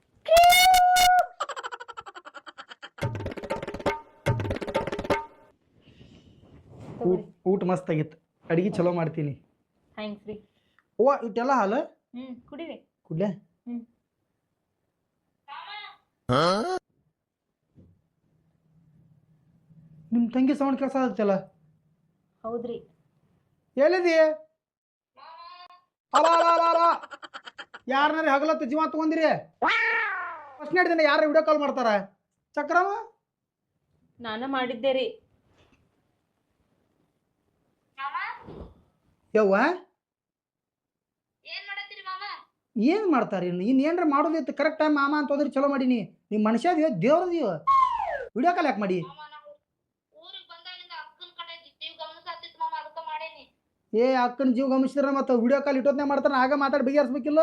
ಊಟ ಮಸ್ತ್ ಆಗಿತ್ತು ಅಡಿಗೆ ಚಲೋ ಮಾಡ್ತೀನಿ
ಥ್ಯಾಂಕ್ಸ್ ರೀ
ಓ ಇಟ್ಟೆಲ್ಲ ಹಾಲು
ಕುಡೀರಿ
ಕುಡ್ಲೆ ನಿಮ್ ತಂಗಿ ಸೌಂಡ್ ಕೆಲಸ ಆಗುತ್ತಲ್ಲ
ಹೌದ್ರಿ
ಎಲ್ಲಿದಿ ಯಾರನ್ನಾರ ಹಗಲತ್ತು ಜೀವ ತಗೊಂದಿರಿ ಫಸ್ಟ್ ದಿನ ಯಾರು ವಿಡಿಯೋ ಕಾಲ್ ಮಾಡ್ತಾರ ಚಕ್ರವ
ನಾನ ಮಾಡಿದ್ದೆ ರೀ
ಯವ್ವ ಏನ್ ಮಾಡ್ತಾರ ಏನ್ರ ಮಾಡೋದಿತ್ತು ಕರೆಕ್ಟ್ ಟೈಮ್ ಮಾಮ ಅಂತ ಹೋದ್ರಿ ಚಲೋ ಮಾಡೀನಿ ನಿಮ್ ಮನುಷ್ಯ ಅದೀವ ದೇವ್ರದೀವ ವಿಡಿಯೋ ಕಾಲ್ ಯಾಕೆ ಮಾಡಿ ಏ ಅಕ್ಕನ ಜೀವ ಗಮನಿಸಿದ್ರ ಮತ್ತೆ ವಿಡಿಯೋ ಕಾಲ್ ಇಟ್ಟೋದ್ನೇ ಮಾಡ್ತಾರ ಆಗ ಮಾತಾಡಿ ಬಗೆಹರಿಸ್ಬೇಕಿಲ್ಲ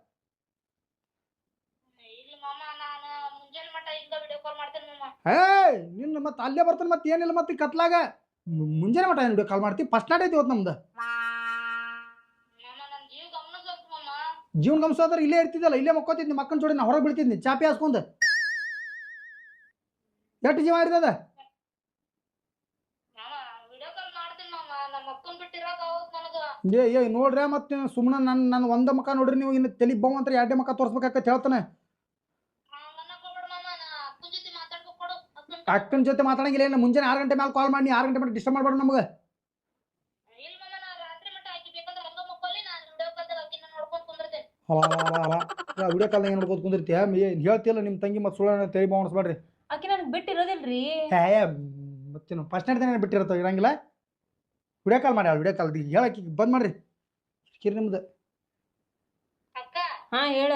ಹೇ ನಿನ್ನ ಮತ್ತೆ ಅಲ್ಲೇ ಬರ್ತಾನೆ ಮತ್ತೆ ಏನಿಲ್ಲ ಮತ್ತೆ ಕತ್ಲಾಗ ಮುಂಜಾನೆ ಮಟ ವಿಡಿಯೋ ಕಾಲ್ ಮಾಡ್ತೀವಿ ಫಸ್ಟ್ ನಾಟ್ ಐತಿ ಇವತ್ತು ನಮ್ದು ಜೀವನ ಗಮನಿಸೋದ್ರ ಇಲ್ಲೇ ಇರ್ತಿದ್ದಲ್ಲ ಇಲ್ಲೇ ಮಕ್ಕೋತಿದ್ನಿ ಮಕ್ಕನ ಜೋಡಿ ನಾ ಹೊರಗೆ ಬೀಳ್ತಿದ್ನಿ ಚಾಪಿ ಹಾಸ್ಕೊಂಡು ಎಷ್ಟು ಜೀವ ಇರ್ತದ ಏ ನೋಡ್ರಿ ಮತ್ತೆ ಸುಮ್ಮನೆ ನನ್ನ ಒಂದ ಮಕ್ಕ ನೋಡ್ರಿ ನೀವು ಇನ್ನು ತಲೆ ಬೌ ಅಂತ 2 ಮಕ್ಕ ತೋರ್ಸ್ಬೇಕಾಗತ್ತೆ ಹೇಳ್ತಾನೆ ಅಕ್ಕನ ಜೊತೆ ಮಾತಾಡಂಗಿಲ್ಲ ಏನು ಮುಂಜಾನೆ 6 ಗಂಟೆ ಮೇಲೆ ಕಾಲ್ ಮಾಡಿ 6 ಗಂಟೆ ಮೇಲೆ ಡಿಸ್ಟರ್ಬ್ ಮಾಡ್ಬೇಡ ನಮಗೆ ವಿಡಿಯೋ ಕಾಲ್ ಏನು ನೋಡ್ಕೋತ ಕುಂದಿರ್ತೀಯ ಹೇಳ್ತಿಲ್ಲ ನಿಮ್ಮ ತಂಗಿ ಮತ್ತೆ ಸುಳ್ಳ ತಲೆ ಬಾವಣಿಸ್ಬೇಡ್ರಿ
ಆಕಿ ನನಗೆ ಬಿಟ್ಟಿರೋದಿಲ್ರಿ
ಮತ್ತೇನು ಫಸ್ಟ್ ನೈಟ್ ದಿನ ಬಿಟ್ಟಿರ್ತಾವ ಇರಂಗಿಲ್ಲ ವಿಡಿಯೋ ಕಾಲ್ ಮಾಡಿ ವಿಡಿಯೋ ಕಾಲ್ ಹೇಳಕ್ಕೆ ಬಂದ್ ಮಾಡ್ರಿ ಕಿರಿ ನಿಮ್ದು
ಹಾ ಹೇಳ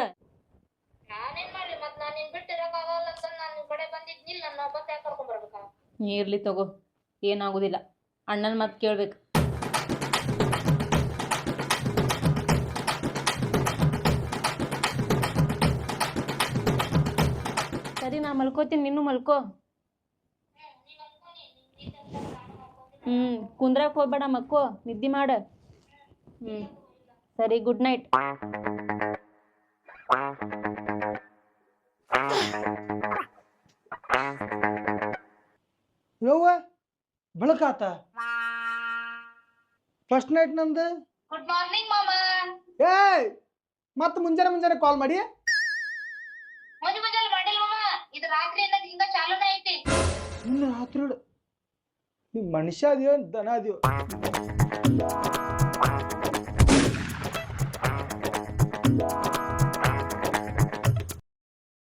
ಇರ್ಲಿ ತಗೋ ಏನಾಗುದಿಲ್ಲ ಅಣ್ಣನ್ ಮತ್ ಕೇಳ್ಬೇಕು ಸರಿ ನಾ ಮಲ್ಕೋತೀನಿ ನೀನು ಮಲ್ಕೋ ಕುಂದ್ರಕ್ ಹೋಗ್ಬೇಡ ಮಕ್ಕೋ ನಿದ್ದೆ ಮಾಡ ಸರಿ ಗುಡ್ ನೈಟ್
ಯವ್ವ ಬೆಳಕಾತ ಫಸ್ಟ್ ನೈಟ್ ನಂದು
ಗುಡ್ ಮಾರ್ನಿಂಗ್ ಮಾಮಾ
ಏಯ್ ಮತ್ತೆ ಮುಂಜಾನೆ ಕಾಲ್ ಮಾಡಿ
ಮುಂಜಾನೆ ಮಾಡಿಲ್ಲ ಮಾಮಾ ಇದು ರಾತ್ರಿ ಹಿಂಗ ಚಾಲೂನೇ ಐತಿ
ಇನ್ನು ರಾತ್ರಿ ನೀ ಮನುಷ್ಯ ಅದಿಯೋ ದನ ಅದಿಯೋ